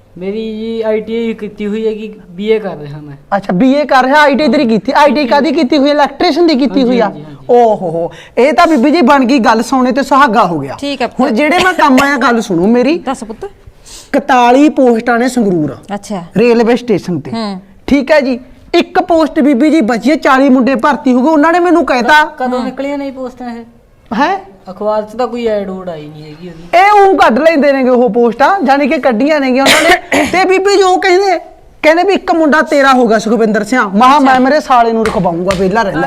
Speaker 7: ਮੇਰੀ ਜੀ ਆਈਟੀਆਈ ਕੀਤੀ ਹੋਈ ਹੈ ਕਿ ਬੀਏ ਕਰ ਰਿਹਾ ਮੈਂ।
Speaker 1: ਅੱਛਾ ਬੀਏ ਕਰ ਰਿਹਾ, ਆਈਟੀ ਤੇਰੀ ਕੀਤੀ, ਆਈਟੀ ਕਾਦੀ ਕੀਤੀ ਹੋਈ ਹੈ? ਇਲੈਕਟ੍ਰੀਸ਼ੀਅਨ ਦੀ ਕੀਤੀ ਹੋਈ ਆ। ਓ ਹੋ ਹੋ ਇਹ ਤਾਂ ਬੀਬੀ ਜੀ ਬਣ ਗਈ ਗੱਲ, ਸੋਨੇ ਤੇ ਸੁਹਾਗਾ ਹੋ ਗਿਆ।
Speaker 2: ਠੀਕ ਹੈ।
Speaker 1: ਹੁਣ ਜਿਹੜੇ ਮੈਂ ਕੰਮ ਆਇਆ ਗੱਲ ਸੁਣੋ ਮੇਰੀ।
Speaker 2: ਦੱਸ ਪੁੱਤ।
Speaker 1: ਇਕਤਾਲੀ ਪੋਸਟਾਂ ਨੇ ਸੰਗਰੂਰ
Speaker 2: ਅੱਛਾ
Speaker 1: ਰੇਲਵੇ ਸਟੇਸ਼ਨ ਤੇ,
Speaker 2: ਹੂੰ
Speaker 1: ਠੀਕ ਹੈ ਜੀ। ਇੱਕ ਪੋਸਟ ਬੀਬੀ ਜੀ ਬਚੀ ਹੈ, ਚਾਲੀ ਮੁੰਡੇ ਭਰਤੀ ਹੋ ਗਏ। ਉਹਨਾਂ ਨੇ ਮੈਨੂੰ ਕਹਿਤਾ
Speaker 7: ਕਦੋਂ ਨਿਕਲੀਆਂ ਨਹੀਂ ਪੋਸਟਾਂ ਇਹ?
Speaker 1: ਹੈ
Speaker 7: ਅਖਬਾਰ 'ਚ ਤਾਂ ਕੋਈ ਐਡ ਊਡ ਆਈ ਨਹੀਂ ਹੈਗੀ ਉਹਦੀ।
Speaker 1: ਇਹ ਉਹ ਕੱਢ ਲੈਂਦੇ ਨੇਗੇ ਉਹ ਪੋਸਟਾਂ, ਜਾਨੀ ਕਿ ਕੱਢੀਆਂ ਨੇਗੀਆਂ ਉਹਨਾਂ ਨੇ। ਤੇ ਬੀਬੀ ਜੀ ਉਹ ਕਹਿੰਦੇ ਕਹਿੰਦੇ ਵੀ ਇੱਕ ਮੁੰਡਾ ਤੇਰਾ ਹੋਗਾ ਸੁਖਵਿੰਦਰ ਸਿੰਘ। ਮਹਾ ਮੈਂ ਮੇਰੇ ਸਾਲੇ ਨੂੰ ਰਖਵਾਉਂਗਾ, ਵਿਹਲਾ ਰਹਿ ਲੈ।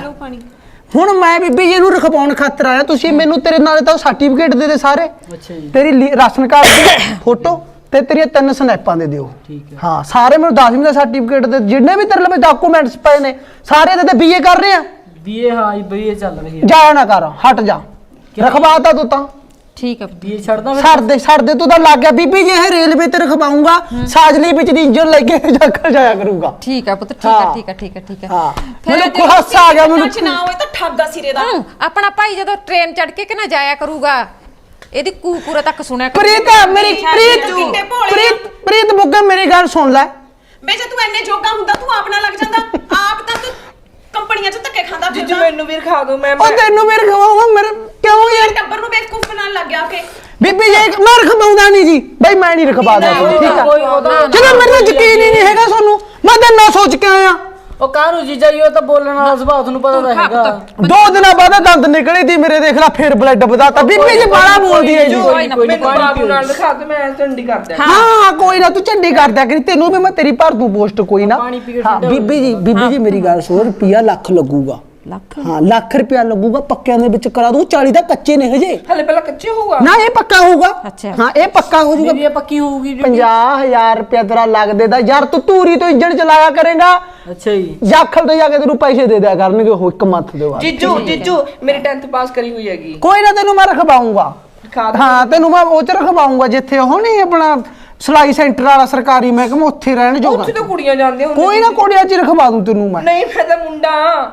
Speaker 1: ਹੁਣ ਮੈਂ ਬੀਬੀ ਜੀ ਨੂੰ ਰਖਵਾਉਣ ਖਾਤਰ ਆਇਆ। ਤੁਸੀਂ ਮੈਨੂੰ ਤੇਰੇ ਨਾਲ ਤਾਂ ਸਰਟੀਫਿਕੇਟ ਦੇ ਦੇ ਸਾਰੇ,
Speaker 7: ਅੱਛਾ ਜੀ
Speaker 1: ਤੇਰੀ ਲੀ- ਰਾਸ਼ਨ ਕਾਰਡ ਦੀ ਫੋਟੋ ਤੇ ਤੇਰੀਆਂ ਤਿੰਨ ਸਨੈਪਾਂ ਦੇ ਦਿਓ।
Speaker 7: ਠੀਕ ਹੈ।
Speaker 1: ਹਾਂ ਸਾਰੇ ਮੈਨੂੰ ਦਸਵੀਂ ਦਾ ਸਰਟੀਫਿਕੇਟ ਦੇ, ਜਿੰਨੇ ਵੀ ਤੇਰੇ ਲਵੇ ਡਾਕੂਮੈਂਟਸ ਪਏ ਨੇ ਸਾਰੇ ਦੇ ਤੇ ਬੀਏ ਕਰ ਰਹੇ ਆ।
Speaker 7: ਬੀਏ ਹਾਂ ਜੀ ਬੀਏ ਚੱਲ ਰਹੀ ਹੈ।
Speaker 1: ਜਾਇਆ ਨਾ ਕਰ, ਹਟ ਜਾ, ਰਖਵਾਤਾ ਤੂੰ ਤਾਂ।
Speaker 2: ਠੀਕ ਹੈ ਪੁੱਤ।
Speaker 7: ਬੀਏ ਛੱਡਦਾ ਫਿਰ?
Speaker 1: ਛੱਡ ਦੇ ਛੱਡ ਦੇ, ਤੂੰ ਤਾਂ ਲੱਗ ਗਿਆ ਬੀਬੀ ਜੀ ਇਹ ਰੇਲਵੇ ਤੇ ਰਖਵਾਉਂਗਾ, ਸਾਜਲੀ ਵਿੱਚ ਦੀ ਇੰਜਨ ਲੈ ਕੇ ਜਾਕਰ ਜਾਇਆ ਕਰੂੰਗਾ।
Speaker 2: ਠੀਕ ਹੈ ਪੁੱਤ, ਠੀਕ ਹੈ ਠੀਕ ਹੈ ਠੀਕ ਹੈ ਠੀਕ ਹੈ।
Speaker 1: ਹਾਂ
Speaker 2: ਫਿਰ
Speaker 1: ਮੈਨੂੰ
Speaker 2: ਜੇ
Speaker 1: ਹਾਸਾ ਆ ਗਿਆ ਮੈਨੂੰ।
Speaker 4: ਨਾ ਹੋਏ ਤਾਂ ਠੱਗਾ ਸਿਰੇ ਦਾ।
Speaker 2: ਹੂੰ, ਆਪਣਾ ਭਾਈ ਜਦੋਂ ਟ੍ਰੇਨ ਚੜ ਕੇ ਕਿ ਨਾ ਜਾਇਆ ਕਰੂਗਾ, ਇਹਦੀ ਕੂਕੂਰਾ ਤੱਕ ਸੁਣਿਆ ਕਰ।
Speaker 1: ਪ੍ਰੀਤ ਮੇਰੀ ਪ੍ਰੀਤ ਪ੍ਰੀਤ ਪ੍ਰੀਤ ਬੁੱਗਾ ਮੇਰੀ ਗੱਲ ਸੁਣ ਲੈ।
Speaker 4: ਬੇ ਜੇ ਤੂੰ ਐਨੇ ਜੋਗਾ ਹੁੰਦਾ ਤੂੰ ਆਪ ਨਾ ਲੱਗ ਜਾਂਦਾ। ਆਪ ਤਾਂ ਤੂੰ ਕੰਪਨੀਆਂ 'ਚ ਧੱਕੇ ਖਾਂਦਾ
Speaker 3: ਜੀਜੂ
Speaker 4: ਫਿਰਦਾ।
Speaker 3: ਮੈਨੂੰ ਵੀ ਰਖਾ ਦਿਓ। ਮੈਂ
Speaker 1: ਉਹ ਤੈਨੂੰ ਮੇਰੇ ਖਵਾਉਂਗਾ ਮੇਰੇ ਕਿਉਂ ਯਾਰ?
Speaker 4: ਟੱਬਰ ਨੂੰ ਬੇਵਕੂਫ ਬਣਾਉਣ ਲੱਗ ਗਿਆ ਕਿ
Speaker 1: ਬੀਬੀ ਜੀ ਮੈਂ ਰਖਵਾਉਂਦਾ ਨਹੀਂ ਜੀ ਬਈ, ਮੈਂ ਨਹੀਂ ਰਖਵਾਦਾ। ਠੀਕ ਆ
Speaker 3: ਕੋਈ ਉਹਦਾ
Speaker 1: ਜਦੋਂ ਮੇਰੇ ਤੇ ਯਕੀਨ ਹੀ ਨਹੀਂ ਹੈਗਾ ਤੁਹਾਨੂੰ, ਮੈਂ ਤਾਂ ਨਾ ਸੋਚ ਕੇ ਆਇਆ।
Speaker 7: ਉਹ ਕਾਹਨੂੰ ਜੀਜਾ ਜੀ, ਉਹ ਤਾਂ ਬੋਲਣ ਵਾਲਾ ਸੁਭਾਅ ਤੁਹਾਨੂੰ ਪਤਾ ਤਾਂ ਹੈਗਾ।
Speaker 1: ਦੋ ਦਿਨਾਂ ਬਾਅਦ ਦੰਦ ਨਿਕਲੇ ਦੀ ਮੇਰੇ, ਦੇਖ ਲੈ ਫੇਰ ਬਲੱਡ ਵਧਾਤਾ। ਬੀਬੀ ਜੀ ਬਾਲਾ ਬੋਲਦੀ ਹੈ ਜੀ।
Speaker 2: ਕੋਈ ਨਾ,
Speaker 3: ਮੈਨੂੰ ਬਾਬੂ ਨਾਲ ਦਿਖਾ ਦੇ, ਮੈਂ ਝੰਡੀ ਕਰ ਦਿਆਂ।
Speaker 1: ਹਾਂ ਕੋਈ ਨਾ, ਤੂੰ ਝੰਡੀ ਕਰ ਦਿਆ ਕਰੀ, ਤੈਨੂੰ ਵੀ ਮੈਂ ਤੇਰੀ ਭਰ ਦੂੰ ਪੋਸਟ ਕੋਈ ਨਾ।
Speaker 7: ਪਾਣੀ ਪੀ ਕੇ
Speaker 1: ਹਾਂ ਬੀਬੀ ਜੀ ਬੀਬੀ ਜੀ ਮੇਰੀ ਗੱਲ ਸੁਣ, ਰੁਪਿਆ ਲੱਖ ਲੱਗੂਗਾ।
Speaker 2: ਲੱਖ?
Speaker 1: ਹਾਂ ਲੱਖ ਰੁਪਿਆ ਲੱਗੂਗਾ, ਪੱਕਿਆਂ ਦੇ ਵਿੱਚ ਕਰਾ ਦੂੰ। ਚਾਲੀ ਦਾ ਕੱਚੇ ਨੇ ਹਜੇ
Speaker 3: ਹਲੇ ਪਹਿਲਾਂ ਕੱਚੇ ਹੋਊਗਾ
Speaker 1: ਨਾ, ਇਹ ਪੱਕਾ ਹੋਊਗਾ।
Speaker 2: ਅੱਛਾ।
Speaker 1: ਹਾਂ ਇਹ ਪੱਕਾ ਹੋ ਜਾਊਗਾ।
Speaker 7: ਬੀਏ ਪੱਕੀ ਹੋਊਗੀ ਜੋ।
Speaker 1: ਪੰਜਾਹ ਹਜ਼ਾਰ ਰੁਪਿਆ ਤੇਰਾ ਲੱਗ ਦੇਦਾ ਯਾਰ। ਤੂੰ ਧੂਰੀ ਤੋਂ ਇੰਜਣ ਚਲਾਇਆ ਕਰੇਗਾ,
Speaker 7: ਅੱਛਾ ਜੀ।
Speaker 1: ਜਾਖਲ ਤੇ ਜਾ ਕੇ ਤੈਨੂੰ ਪੈਸੇ ਦੇ ਦਿਆ ਕਰਨਗੇ ਉਹ ਇੱਕ ਮੰਥ ਦੇ ਬਾਅਦ।
Speaker 3: ਜੀਜੂ ਜੀਜੂ ਮੇਰੀ ਟੈਂਥ ਪਾਸ ਕਰੀ ਹੋਈ ਹੈਗੀ।
Speaker 1: ਕੋਈ ਨਾ ਤੈਨੂੰ ਮੈਂ ਰਖਵਾਉਂਗਾ।
Speaker 3: ਰਖਾ ਦਿਓ।
Speaker 1: ਹਾਂ ਤੈਨੂੰ ਮੈਂ ਉਹ ਚ ਰਖਵਾਉਂਗਾ ਜਿੱਥੇ ਉਹ ਨਹੀਂ ਆਪਣਾ ਸਲਾਈ ਸੈਂਟਰ ਵਾਲਾ ਸਰਕਾਰੀ ਮਹਿਕਮਾ, ਉੱਥੇ ਰਹਿਣ ਜੋਗਾ।
Speaker 3: ਉੱਥੇ ਤਾਂ ਕੁੜੀਆਂ ਜਾਂਦੀਆਂ ਹੁੰਦੀਆਂ।
Speaker 1: ਕੋਈ ਨਾ ਕੋੜਿਆਂ ਚ ਰਖਵਾ ਦੂੰ ਤੈਨੂੰ ਮੈਂ।
Speaker 3: ਨਹੀਂ ਮੈਂ ਤਾਂ ਮੁੰਡਾ।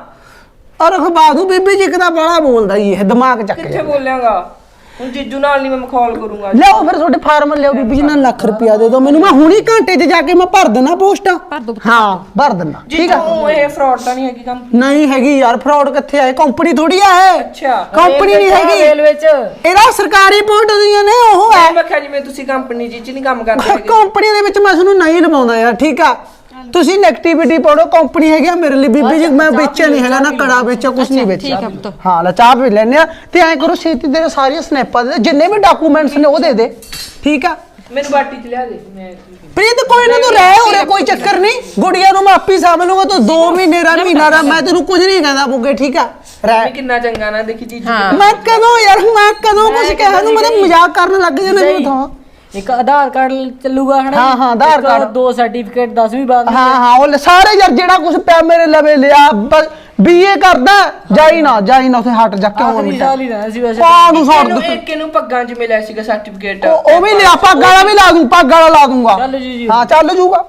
Speaker 1: ਔਰ ਰਖਵਾ ਦੂੰ ਬੀਬੀ ਜੀ, ਕਿਦਾ ਬੜਾ ਬੋਲਦਾ ਜੀ ਇਹ, ਦਿਮਾਗ ਚੱਕ
Speaker 3: ਕਿੱਥੇ
Speaker 1: ਜਾ।
Speaker 3: ਬੋਲਿਆਗਾ ਹੁਣ? ਜੀਜੂ ਨਾਲ ਨਹੀਂ ਮੈਂ ਮਖੌਲ ਕਰੂੰਗਾ।
Speaker 1: ਲਿਆਓ ਫਿਰ ਤੁਹਾਡੇ ਫਾਰਮ ਲਿਆਓ ਬੀਬੀ ਜੀ, ਨਾਲ ਲੱਖ ਰੁਪਿਆ ਦੇ ਦਿਓ ਮੈਨੂੰ, ਮੈਂ ਹੁਣੀ ਘੰਟੇ 'ਚ ਜਾ ਕੇ ਮੈਂ ਭਰ ਦੇਣਾ ਪੋਸਟਾਂ।
Speaker 2: ਭਰ ਦੋ।
Speaker 1: ਹਾਂ ਭਰ ਦੇਣਾ। ਠੀਕ ਆ।
Speaker 3: ਜੀਜੂ ਇਹ ਫਰਾਡ ਤਾਂ ਨਹੀਂ ਹੈਗੀ ਕੰਮ?
Speaker 1: ਨਹੀਂ ਹੈਗੀ ਯਾਰ, ਫਰਾਡ ਕਿੱਥੇ ਆਏ? ਕੰਪਨੀ ਥੋੜੀ ਆ ਇਹ।
Speaker 3: ਅੱਛਾ।
Speaker 1: ਕੰਪਨੀ ਨਹੀਂ ਹੈਗੀ,
Speaker 7: ਰੇਲਵੇ 'ਚ
Speaker 1: ਇਹਦਾ ਸਰਕਾਰੀ ਪੋਸਟ ਦੀਆਂ ਨੇ ਉਹ ਹੈ।
Speaker 3: ਮੈਂ ਕਿਹਾ ਜਿਵੇਂ ਤੁਸੀਂ ਕੰਪਨੀ ਜੀ ਚ ਨਹੀਂ ਕੰਮ ਕਰਦੇ ਹੈਗੇ।
Speaker 1: ਕੰਪਨੀ ਦੇ ਵਿੱਚ ਮੈਂ ਤੁਹਾਨੂੰ ਨਹੀਂ ਲਵਾਉਂਦਾ ਯਾਰ, ਠੀਕ ਆ। ਤੁਸੀਂ ਨੈਗੇਟਿਵਿਟੀ ਪਾੜੋ, ਕੰਪਨੀ ਹੈਗੀ ਆ ਮੇਰੇ ਲਈ ਬੀਬੀ ਜੀ। ਮੈਂ ਵੇਚਿਆ ਨਹੀਂ ਹੈਗਾ, ਨਾ ਕੜਾ ਵੇਚਿਆ, ਕੁਝ ਨਹੀਂ ਵੇਚਿਆ।
Speaker 2: ਠੀਕ ਹੈ ਪੁੱਤ।
Speaker 1: ਹਾਂ ਲੈ ਚਾਹ ਵੀ ਲੈਣੇ ਆ। ਤੇ ਐਂ ਕਰੋ ਛੇਤੀ ਦੇ ਸਾਰੀਆਂ ਸਨੈਪਾਂ ਦੇ, ਜਿੰਨੇ ਵੀ ਡਾਕੂਮੈਂਟਸ ਨੇ ਉਹ ਦੇ ਦੇ। ਠੀਕ ਆ
Speaker 3: ਮੈਨੂੰ ਬਾਟੀ ਚ ਲਿਆ ਦੇ। ਮੈਂ
Speaker 1: ਪ੍ਰੀਤ ਕੋਈ ਨਾ, ਤੂੰ ਰਹਿ ਉਰੇ, ਕੋਈ ਚੱਕਰ ਨਹੀਂ। ਗੁੜੀਆਂ ਨੂੰ ਮੈਂ ਆਪੀ ਸਾਂਭ ਲੂੰਗਾ। ਤੂੰ ਦੋ ਮਹੀਨੇ ਰਾ ਮਹੀਨਾ ਰਾ ਮੈਂ ਤੈਨੂੰ ਕੁਝ ਨਹੀਂ ਕਹਿੰਦਾ ਬੁੱਗੇ, ਠੀਕ ਆ ਰਹਿ।
Speaker 3: ਕਿੰਨਾ ਚੰਗਾ ਨਾ ਦੇਖੀ ਜੀਜੂ।
Speaker 1: ਮੈਂ ਕਦੋਂ ਯਾਰ, ਮੈਂ ਕਦੋਂ ਕੁਝ ਕਿਹਾ ਨੂੰ? ਮੈਂ ਤਾਂ ਮਜ਼ਾਕ ਕਰਨ ਲੱਗ ਜਾਣਾ ਮੈਨੂੰ ਤਾਂ।
Speaker 7: ਇੱਕ ਆਧਾਰ ਕਾਰਡ ਚੱਲੂਗਾ ਹਨਾ?
Speaker 1: ਹਾਂ, ਹਾਂ, ਆਧਾਰ
Speaker 7: ਇੱਕ
Speaker 1: ਕਾਰਡ।
Speaker 7: ਦੋ ਸਰਟੀਫਿਕੇਟ ਦਸਵੀਂ ਬਾਅਦ
Speaker 1: ਹਾਂ ਹਾਂ ਉਹ ਲੈ ਸਾਰੇ ਯਾਰ, ਜਿਹੜਾ ਕੁਝ ਪਿਆ ਮੇਰੇ ਲਵੇ ਲਿਆ। ਬੀਏ ਕਰਦਾ ਜਾਈ ਨਾ ਜਾਈ ਨਾ, ਉੱਥੇ ਹਟ ਜਾ ਕਿਉਂ
Speaker 7: ਆਖਰੀ ਸਾਲ ਹੀ ਰਹਿਣਾ ਸੀ ਵੈਸੇ।
Speaker 1: ਪਾ ਨੂੰ ਛੱਡ
Speaker 3: ਇਹਨੂੰ
Speaker 1: ਦੇ।
Speaker 3: ਇੱਕ ਇਹਨੂੰ ਪੱਗਾਂ ਚ ਮਿਲਿਆ ਸੀਗਾ ਸਰਟੀਫਿਕੇਟ।
Speaker 1: ਉਹ ਉਹ ਵੀ ਲਿਆ, ਪੱਗ ਵਾਲਾ ਵੀ ਲਾ ਦੂੰ, ਪੱਗ ਵਾਲਾ ਲਾ ਦੂੰਗਾ।
Speaker 7: ਚੱਲ ਜੀ ਜੀ।
Speaker 1: ਹਾਂ ਚੱਲ ਜੂਗਾ।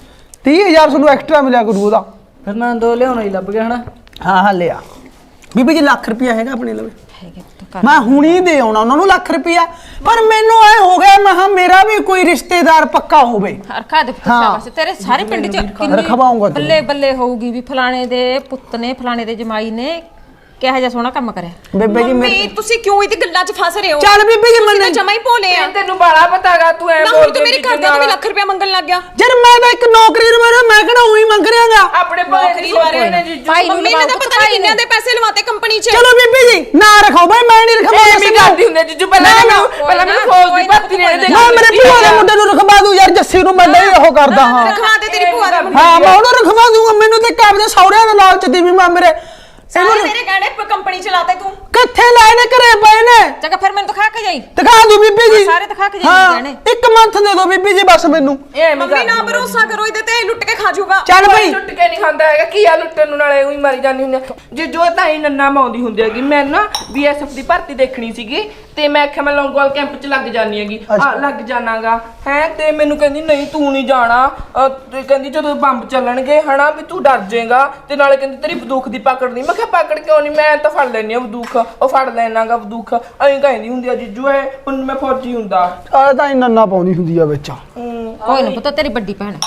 Speaker 1: ਤੀਹ ਹਜ਼ਾਰ ਤੁਹਾਨੂੰ ਐਕਸਟਰਾ ਮਿਲਿਆ ਕਰੂ ਉਹਦਾ।
Speaker 7: ਫਿਰ ਮੈਂ ਦੋ ਲਿਆਉਣਾ ਹੀ ਲੱਭ ਗਿਆ ਹਨਾ?
Speaker 1: ਹਾਂ ਹਾਂ ਲਿਆ ਬੀਬੀ ਜੀ, ਲੱਖ ਰੁਪਿਆ ਹੈਗਾ ਆਪਣੇ ਲਵੇ।
Speaker 2: ਹੈਗੇ ਪੁੱਤ ਕਰ।
Speaker 1: ਮੈਂ ਹੁਣੀ ਦੇ ਆਉਣਾ ਉਹਨਾਂ ਨੂੰ ਲੱਖ ਰੁਪਿਆ। ਪਰ ਮੈਨੂੰ ਐ ਹੋ ਗਿਆ, ਮੈਂ ਕਿਹਾ ਮੇਰਾ ਵੀ ਕੋਈ ਰਿਸ਼ਤੇਦਾਰ ਪੱਕਾ ਹੋਵੇ।
Speaker 2: ਰਖਾ ਦੇ ਪੁੱਤ,
Speaker 1: ਹਾਂ।
Speaker 2: ਸ਼ਾਬਾਸ਼। ਤੇਰੇ ਸਾਰੇ ਪਿੰਡ 'ਚ
Speaker 1: ਰਖਵਾਊਂਗਾ ਤੈਨੂੰ।
Speaker 2: ਬੱਲੇ ਬੱਲੇ ਹੋਊਗੀ ਵੀ ਫਲਾਣੇ ਦੇ ਪੁੱਤ ਨੇ, ਫਲਾਣੇ ਦੇ ਜਮਾਈ ਨੇ ਕਿਹੋ ਜਿਹਾ ਸੋਹਣਾ ਕੰਮ ਕਰਿਆ।
Speaker 1: ਬੇਬੇ ਜੀ
Speaker 4: ਮੰਮੀ
Speaker 1: ਮੇਰੇ
Speaker 4: ਤੁਸੀਂ ਕਿਉਂ ਇਹਦੀ ਗੱਲਾਂ 'ਚ ਫਸ ਰਹੇ ਹੋ?
Speaker 1: ਚੱਲ ਬੀਬੀ ਜੀ
Speaker 4: ਤੁਸੀਂ ਤਾਂ
Speaker 1: ਮੈਂ
Speaker 4: ਜਮਾ ਹੀ ਭੋਲੇ ਆ।
Speaker 3: ਤੈਨੂੰ ਬਾਲਾ ਪਤਾਗਾ ਤੂੰ ਐ
Speaker 4: ਨਾ ਹੁਣ ਤੂੰ ਮੇਰੇ ਘਰ ਦਾ ਵੀ ਲੱਖ ਰੁਪਇਆ ਮੰਗਣ ਲੱਗ ਗਿਆ।
Speaker 1: ਜਦ ਮੈਂ ਤਾਂ ਇੱਕ ਨੌਕਰੀ ਨੂੰ ਮਾਰਿਆ, ਮੈਂ ਕਿਹੜਾ ਉਹੀ ਮੰਗ ਰਿਹਾਗਾ।
Speaker 3: ਆਪਣੇ ਨੌਕਰੀ ਵਾਲੇ ਨੇ ਜੀਜੂ।
Speaker 2: ਭਾਈ ਨੂੰ
Speaker 4: ਮੰਮੀ ਨੇ ਤਾਂ ਪਤਾ ਨਹੀਂ ਕਿੰਨਿਆਂ ਦੇ ਪੈਸੇ ਲਵਾਤੇ ਕੰਪਨੀ 'ਚ।
Speaker 1: ਚਲੋ ਬੀਬੀ ਜੀ ਨਾ ਰੱਖੋ ਬਈ, ਮੈਂ ਨਹੀਂ ਰਖਵਾ
Speaker 3: ਐਵੇਂ ਕਰਦੀ ਹੁੰਦੇ ਜੀਜੂ। ਪਹਿਲਾਂ ਮੈਨੂੰ ਪਹਿਲਾਂ ਮੈਨੂੰ ਫੌਜ ਦੀ ਭਰਤੀ ਨੇ ਦੇ।
Speaker 1: ਮੈਂ ਮੇਰੇ ਭੂਆ ਦੇ ਮੁੰਡੇ ਨੂੰ ਰਖਵਾ ਦੂੰ ਯਾਰ, ਜੱਸੀ ਨੂੰ ਮੈਂ ਨਹੀਂ ਉਹ ਕਰਦਾ ਹਾਂ।
Speaker 4: ਰਖਵਾ ਦੇ ਤੇਰੀ ਭੂਆ ਦਾ ਮੁੰਡਾ।
Speaker 1: ਹਾਂ ਮੈਂ ਉਹਨੂੰ ਰਖਵਾ ਦੂੰਗਾ। ਮੈਨੂੰ ਤੇ ਕਾਬਲੇ ਸੌਰਿਆਂ ਦੇ ਲਾਲਚ ਦੀ ਵੀ ਮੈਂ ਮੇਰੇ
Speaker 4: ਸਾਰੇ ਤੇਰੇ ਗਹਿਣੇ ਕੰਪਨੀ ਚਲਾਤੇ ਤੂੰ।
Speaker 1: ਕਿੱਥੇ ਲਾਏ ਨੇ ਘਰੇ ਪਏ ਨੇ।
Speaker 2: ਚੰਗਾ ਫਿਰ ਮੈਨੂੰ ਦਿਖਾ ਕੇ ਜਾਈ।
Speaker 1: ਦਿਖਾ ਦੂ ਬੀਬੀ ਜੀ,
Speaker 2: ਸਾਰੇ ਦਿਖਾ ਕੇ ਜਾਈ
Speaker 1: ਹਾਂ
Speaker 2: ਗਹਿਣੇ।
Speaker 1: ਇੱਕ ਮੰਥ ਦੇ ਦੋ ਬੀਬੀ ਜੀ ਬਸ ਮੈਨੂੰ।
Speaker 4: ਮੰਮੀ ਨਾ ਭਰੋਸਾ ਕਰੋ ਇਹਦੇ ਤੇ, ਲੁੱਟ ਕੇ ਖਾ ਜਾਊਗਾ।
Speaker 1: ਚੱਲ ਬਈ
Speaker 3: ਲੁੱਟ ਕੇ ਨਹੀਂ ਖਾਂਦਾ ਹੈਗਾ। ਕੀ ਆ ਲੁੱਟਣ ਨੂੰ, ਨਾਲੇ ਉਹੀ ਮਾਰੀ ਜਾਂਦੀ ਹੁੰਦੀ ਆ। ਜੇ ਜੋ ਤਾਂ ਹੀ ਨੰਨਾ ਮਾਉਂਦੀ ਹੁੰਦੀ ਹੈਗੀ। ਮੈਂ ਨਾ ਬੀਐਸਐਫ ਦੀ ਭਰਤੀ ਦੇਖਣੀ ਸੀਗੀ ਤੇ ਮੈਂ ਆਖਿਆ ਮੈਂ ਲੌਂਗੋਵਾਲ ਕੈਂਪ 'ਚ ਲੱਗ ਜਾਣੀ ਹੈਗੀ ਆ ਲੱਗ ਜਾਣਾਗਾ ਹੈ ਤੇ ਮੈਨੂੰ ਕਹਿੰਦੀ ਨਹੀਂ ਤੂੰ ਨਹੀਂ ਜਾਣਾ ਅਹ ਤੇ ਕਹਿੰਦੀ ਜਦੋਂ ਬੰਬ ਚੱਲਣਗੇ ਹਨਾ ਵੀ ਤੂੰ ਡਰ ਜਾਏਗਾ ਤੇ ਨਾਲੇ ਕਹਿੰਦੀ ਤੇਰੀ ਬੰਦੂਕ ਦੀ ਪਕੜ ਨਹੀਂ। ਮੈਂ ਕਿਹਾ ਪਕੜ ਕਿਉਂ ਨਹੀਂ, ਮੈਂ ਤਾਂ ਫੜ ਲੈਣੀ ਆ ਬੰਦੂਕ, ਉਹ ਫੜ ਲੈਣਾਗਾ ਬੰਦੂਕ ਐਂ ਕਹਿੰਦੀ ਹੁੰਦੀ ਆ ਜੀਜੂ ਐ ਹੁਣ ਮੈਂ ਫੌਜੀ ਹੁੰਦਾ
Speaker 1: ਆ ਤਾਂ ਇੰਨਾ ਨਾ ਪਾਉਂਦੀ ਹੁੰਦੀ ਆ ਵਿੱਚ।
Speaker 2: ਕੋਈ ਨਾ ਪਤਾ ਤੇਰੀ ਵੱਡੀ ਭੈਣ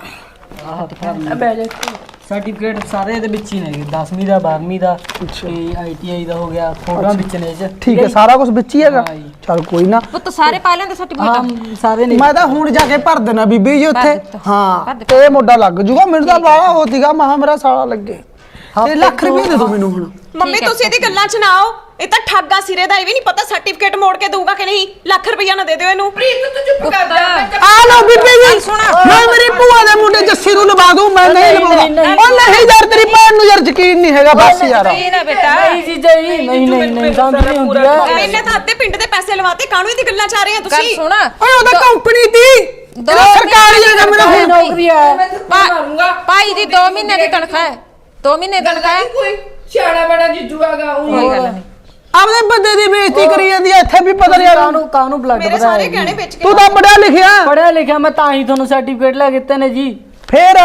Speaker 3: ਆ ਬਹਿ ਜਾ
Speaker 7: ਸਰਟੀਫਿਕੇਟ ਸਾਰੇ ਇਹਦੇ ਵਿੱਚ ਹੀ ਨੇ, ਦਸਵੀਂ ਦਾ ਬਾਰਵੀਂ ਦਾ ਤੇ ਆਈਟੀਆਈ ਦਾ ਹੋ ਗਿਆ, ਫੋਟੋਆਂ ਵਿੱਚ ਨੇ ਇਹ 'ਚ।
Speaker 1: ਠੀਕ ਹੈ, ਸਾਰਾ ਕੁਝ ਵਿੱਚ ਹੀ ਹੈਗਾ। ਚਲ ਕੋਈ ਨਾ,
Speaker 2: ਪੁੱਤ ਸਾਰੇ ਪਾ ਲੈਂਦੇ ਸਰਟੀਫਿਕੇਟ।
Speaker 7: ਹਾਂ ਸਾਰੇ ਨੇ।
Speaker 1: ਮੈਂ ਤਾਂ ਹੁਣ ਜਾ ਕੇ ਭਰ ਦੇਣਾ ਬੀਬੀ ਜੀ ਉੱਥੇ। ਹਾਂ ਤੇ ਇਹ ਮੋਢਾ ਲੱਗ ਜੂਗਾ। ਮੈਨੂੰ ਤਾਂ ਬਾਹਲਾ ਹੋ ਸੀਗਾ, ਮਹਾ ਮੇਰਾ ਸਾਲਾ ਲੱਗੇ। ਤੇ ਲੱਖ ਰੁਪਏ ਦੇ ਦੋ ਮੈਨੂੰ ਹੁਣ।
Speaker 4: ਮੰਮੀ ਤੁਸੀਂ ਇਹਦੀ ਗੱਲਾਂ 'ਚ ਨਾ ਆਓ, ਇਹ ਤਾਂ ਠੱਗਾ ਸਿਰੇ ਦਾ। ਇਹ ਵੀ ਨਹੀਂ ਪਤਾ ਸਰਟੀਫਿਕੇਟ ਮੋੜ ਕੇ ਦਊਗਾ ਕਿ ਨਹੀਂ। ਲੱਖ ਰੁਪਈਆ ਨਾ ਦੇ ਦਿਓ ਇਹਨੂੰ।
Speaker 3: ਪ੍ਰੀਤ ਤੂੰ ਚੁੱਪ ਕਰ ਜਾ।
Speaker 1: ਆ ਲਓ ਬੀਬੀ ਜੀ, ਮੈਂ ਮੇਰੀ ਭੂਆ ਦੇ ਮੁੰਡੇ ਜੱਸੀ ਨੂੰ ਲਵਾ ਦੂੰ। ਮੈਂ ਨਹੀਂ ਲਵਾਉਂਦਾ। ਉਹ ਨਹੀਂ ਯਾਰ, ਤੇਰੀ ਭੈਣ ਨੂੰ ਯਾਰ ਯਕੀਨ ਨਹੀਂ ਹੈਗਾ ਬਸ ਯਾਰ।
Speaker 2: ਨਹੀਂ ਨਾ ਬੇਟਾ,
Speaker 7: ਨਹੀਂ ਜੀਜਾ ਜੀ, ਨਹੀਂ ਨਹੀਂ ਨਹੀਂ ਸਮਝ ਨਹੀਂ ਹੁੰਦੀ ਆ।
Speaker 4: ਮੈਨੇ ਤਾਂ ਅੱਧੇ ਪਿੰਡ ਦੇ ਪੈਸੇ ਲਵਾਤੇ, ਕਾਹਨੂੰ ਇਹਦੀ ਗੱਲਾਂ 'ਚ ਆ ਰਹੇ ਆ
Speaker 2: ਗੱਲ
Speaker 4: ਤੁਸੀਂ?
Speaker 2: ਸੁਣ।
Speaker 1: ਓਏ ਉਹਦਾ ਕੰਪਨੀ ਦੀ ਇਹਦਾ ਸਰਕਾਰੀ ਹੈਗਾ ਮੇਰਾ ਹੁਣ।
Speaker 7: ਨੌਕਰੀ ਆ।
Speaker 3: ਮਾਰੂੰਗਾ
Speaker 2: ਭਾਈ ਦੀ ਦੋ ਮਹੀਨੇ ਦੀ ਤਨਖਾਹ ਹੈ, ਦੋ ਮਹੀਨੇ ਦੀ ਤਨਖਾਹ ਹੈ।
Speaker 3: ਕੋਈ ਸਿਆਣਾ ਬੜਾ ਜੀਜੂ ਆਗਾ ਉਹ
Speaker 2: ਕੋਈ ਗੱਲ ਨਹੀਂ।
Speaker 1: ਆਪਦੇ ਬੰਦੇ ਦੀ ਬੇਇੱਜ਼ਤੀ ਕਰੀ ਜਾਂਦੀ ਐ ਇੱਥੇ ਵੀ ਪਤਾ ਨਹੀਂ।
Speaker 7: ਕਾਹਨੂੰ ਕਾਹਨੂੰ ਬਲੱਡ
Speaker 4: ਮੇਰੇ ਸਾਰੇ ਗਹਿਣੇ ਵੇਚ ਕੇ
Speaker 1: ਤੂੰ ਤਾਂ ਪੜਿਆ ਲਿਖਿਆ
Speaker 7: ਪੜਿਆ ਲਿਖਿਆ, ਮੈਂ ਤਾਂ ਹੀ ਤੁਹਾਨੂੰ ਸਰਟੀਫਿਕੇਟ ਲੈ ਕੇ ਦਿੱਤੇ ਨੇ ਜੀ।
Speaker 1: ਫੇਰ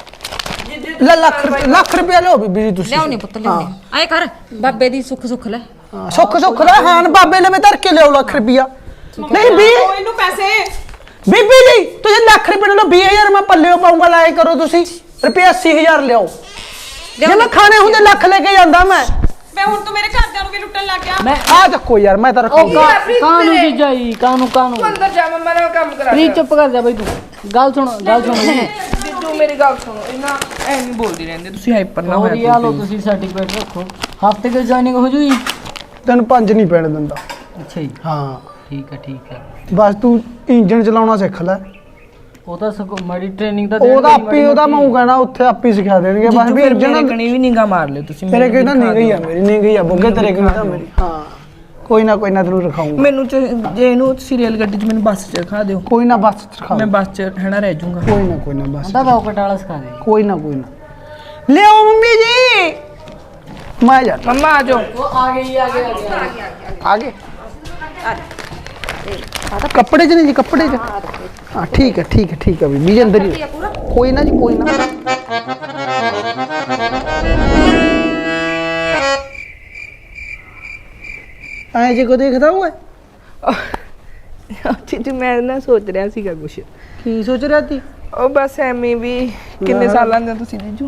Speaker 1: ਲੈ ਲੱਖ ਰੁਪਏ- ਲੱਖ ਰੁਪਏ ਲਓ ਬੀਬੀ ਜੀ ਤੁਸੀਂ।
Speaker 2: ਲਿਆਉਣੀ ਪੁੱਤ ਲਿਆਉਣੀ। ਆਏ ਕਰ ਬਾਬੇ ਦੀ ਸੁੱਖ ਸੁੱਖ ਲੈ।
Speaker 1: ਹਾਂ, ਸੁੱਖ ਸੁੱਖ ਦਾ ਹਾਨ ਬਾਬੇ ਲਵੇ ਧਰ ਕੇ ਲਿਆਓ ਲੱਖ ਰੁਪਿਆ। ਨਹੀਂ ਵੀ
Speaker 4: ਦਿਓ ਇਹਨੂੰ ਪੈਸੇ।
Speaker 1: ਬੀਬੀ ਜੀ ਤੁਸੀਂ ਲੱਖ ਰੁਪਏ ਲਓ, ਵੀਹ ਹਜ਼ਾਰ ਮੈਂ ਪੱਲਿਓ ਪਾਉਂਗਾ। ਲਾਏ ਕਰੋ ਤੁਸੀਂ ਰੁਪਏ ਅੱਸੀ ਹਜ਼ਾਰ ਲਿਆਓ। ਜੇ ਮੈਂ ਖਾਣੇ ਹੁੰਦੇ ਲੱਖ ਲੈ ਕੇ ਜਾਂਦਾ ਮੈਂ।
Speaker 4: ਮੈਂ ਹੁਣ ਤੂੰ ਮੇਰੇ ਘਰਦਿਆਂ ਨੂੰ ਵੀ ਲੁੱਟਣ ਲੱਗ ਗਿਆ।
Speaker 7: ਮੈਂ
Speaker 1: ਆ ਚੱਕੋ ਯਾਰ, ਮੈਂ ਤਾਂ ਰੱਖੂਗਾ।
Speaker 7: ਕਾਹਨੂੰ ਜੀਜਾ ਜੀ, ਕਾਹਨੂੰ ਕਾਹਨੂੰ।
Speaker 3: ਤੂੰ ਅੰਦਰ ਜਾ, ਮੈਂ ਨਾਲ ਕੰਮ ਕਰਾ।
Speaker 7: ਪ੍ਰੀਤ ਚੁੱਪ ਕਰ ਜਾ ਬਈ ਤੂੰ। ਗੱਲ ਸੁਣ ਗੱਲ ਸੁਣ।
Speaker 3: ਜੀਜੂ ਮੇਰੀ ਗੱਲ ਸੁਣੋ, ਇਹਨਾਂ ਐ ਨਹੀਂ ਬੋਲਦੀ ਰਹਿੰਦੇ ਤੁਸੀਂ, ਹਾਈਪਰ ਨਾ
Speaker 7: ਹੋਰ
Speaker 3: ਹੋਇਆ
Speaker 7: ਆ ਲਓ ਤੁਸੀਂ ਸਰਟੀਫਿਕੇਟ ਰੱਖੋ। ਹਫਤੇ ਕੇ ਜੁਆਇਨਿੰਗ ਹੋ ਜੂਗੀ।
Speaker 1: ਤੈਨੂੰ ਪੰਜ ਨਹੀਂ ਪੈਣ ਦਿੰਦਾ।
Speaker 7: ਅੱਛਾ ਜੀ,
Speaker 1: ਹਾਂ
Speaker 7: ਠੀਕ ਹੈ ਠੀਕ ਹੈ।
Speaker 1: ਬਸ ਤੂੰ ਇੰਜਣ ਚਲਾਉਣਾ ਸਿੱਖ ਲੈ।
Speaker 7: ਉਹ ਤਾਂ ਸਗੋਂ ਮਾੜੀ ਟ੍ਰੇਨਿੰਗ ਤਾਂ
Speaker 1: ਉਹਦਾ ਆਪੇ ਉਹਦਾ ਮੈਂ ਕਹਿਣਾ ਉੱਥੇ ਆਪੇ ਸਿਖਾ ਦੇਣਗੇ। ਬਸ ਵੀ ਇੰਜਣ
Speaker 3: ਕਣੀ ਵੀ ਨਿਗਾ ਮਾਰ ਲਿਓ ਤੁਸੀਂ।
Speaker 1: ਤੇਰੇ ਕਿਹਦਾ ਨਹੀਂ ਗਈ ਆ ਮੇਰੀ, ਨਹੀਂ ਗਈ ਆ ਬੁੱਗੇ ਤੇਰੇ ਕਿਹਦਾ ਮੇਰੀ। ਹਾਂ ਕੋਈ ਨਾ ਕੋਈ ਨਾ ਤੈਨੂੰ ਰਖਾਉਂਗਾ।
Speaker 3: ਮੈਨੂੰ ਚ- ਜੇ ਇਹਨੂੰ ਸੀਰੀਅਲ ਗੱਡੀ 'ਚ ਮੈਨੂੰ ਬੱਸ 'ਚ ਰਖਾ ਦਿਓ,
Speaker 1: ਕੋਈ ਨਾ ਬਸ ਰਖਾਉਂਗਾ।
Speaker 3: ਮੈਂ ਬੱਸ 'ਚ ਰਹਿਣਾ ਰਹਿ ਜਾਊਂਗਾ।
Speaker 1: ਕੋਈ ਨਾ ਕੋਈ ਨਾ ਬਸ
Speaker 7: ਤਾਂ ਰੌਕਟ ਵਾਲਾ ਸਿਖਾ ਦੇ।
Speaker 1: ਕੋਈ ਨਾ ਕੋਈ ਨਾ ਲਿਆਓ ਮੰਮੀ ਜੀ। ਮੈਂ ਜਾ
Speaker 3: ਮੰਮਾ ਆ ਜਾਓ।
Speaker 7: ਉਹ ਆ ਗਈ ਆ ਗਈ
Speaker 1: ਆ ਗਏ। ਕੱਪੜੇ ਚ ਨਹੀਂ ਜੀ, ਕੱਪੜੇ ਚ। ਹਾਂ ਠੀਕ ਹੈ ਠੀਕ ਹੈ ਠੀਕ ਹੈ ਬੀਬੀ ਜੀ ਅੰਦਰ ਹੀ। ਕੋਈ ਨਾ ਜੀ ਕੋਈ ਨਾ। ਐ ਜੇ ਕੋ ਦੇਖਦਾ ਹੋਏ
Speaker 3: ਜੀਜੂ ਮੈਂ ਨਾ ਸੋਚ ਰਿਹਾ ਸੀਗਾ ਕੁਛ।
Speaker 1: ਕੀ ਸੋਚ ਰਿਹਾ ਤੀ?
Speaker 3: ਉਹ ਬਸ ਐਵੇਂ ਵੀ ਕਿੰਨੇ ਸਾਲਾਂ ਦੇ ਹੋ ਤੁਸੀਂ ਜੀਜੂ?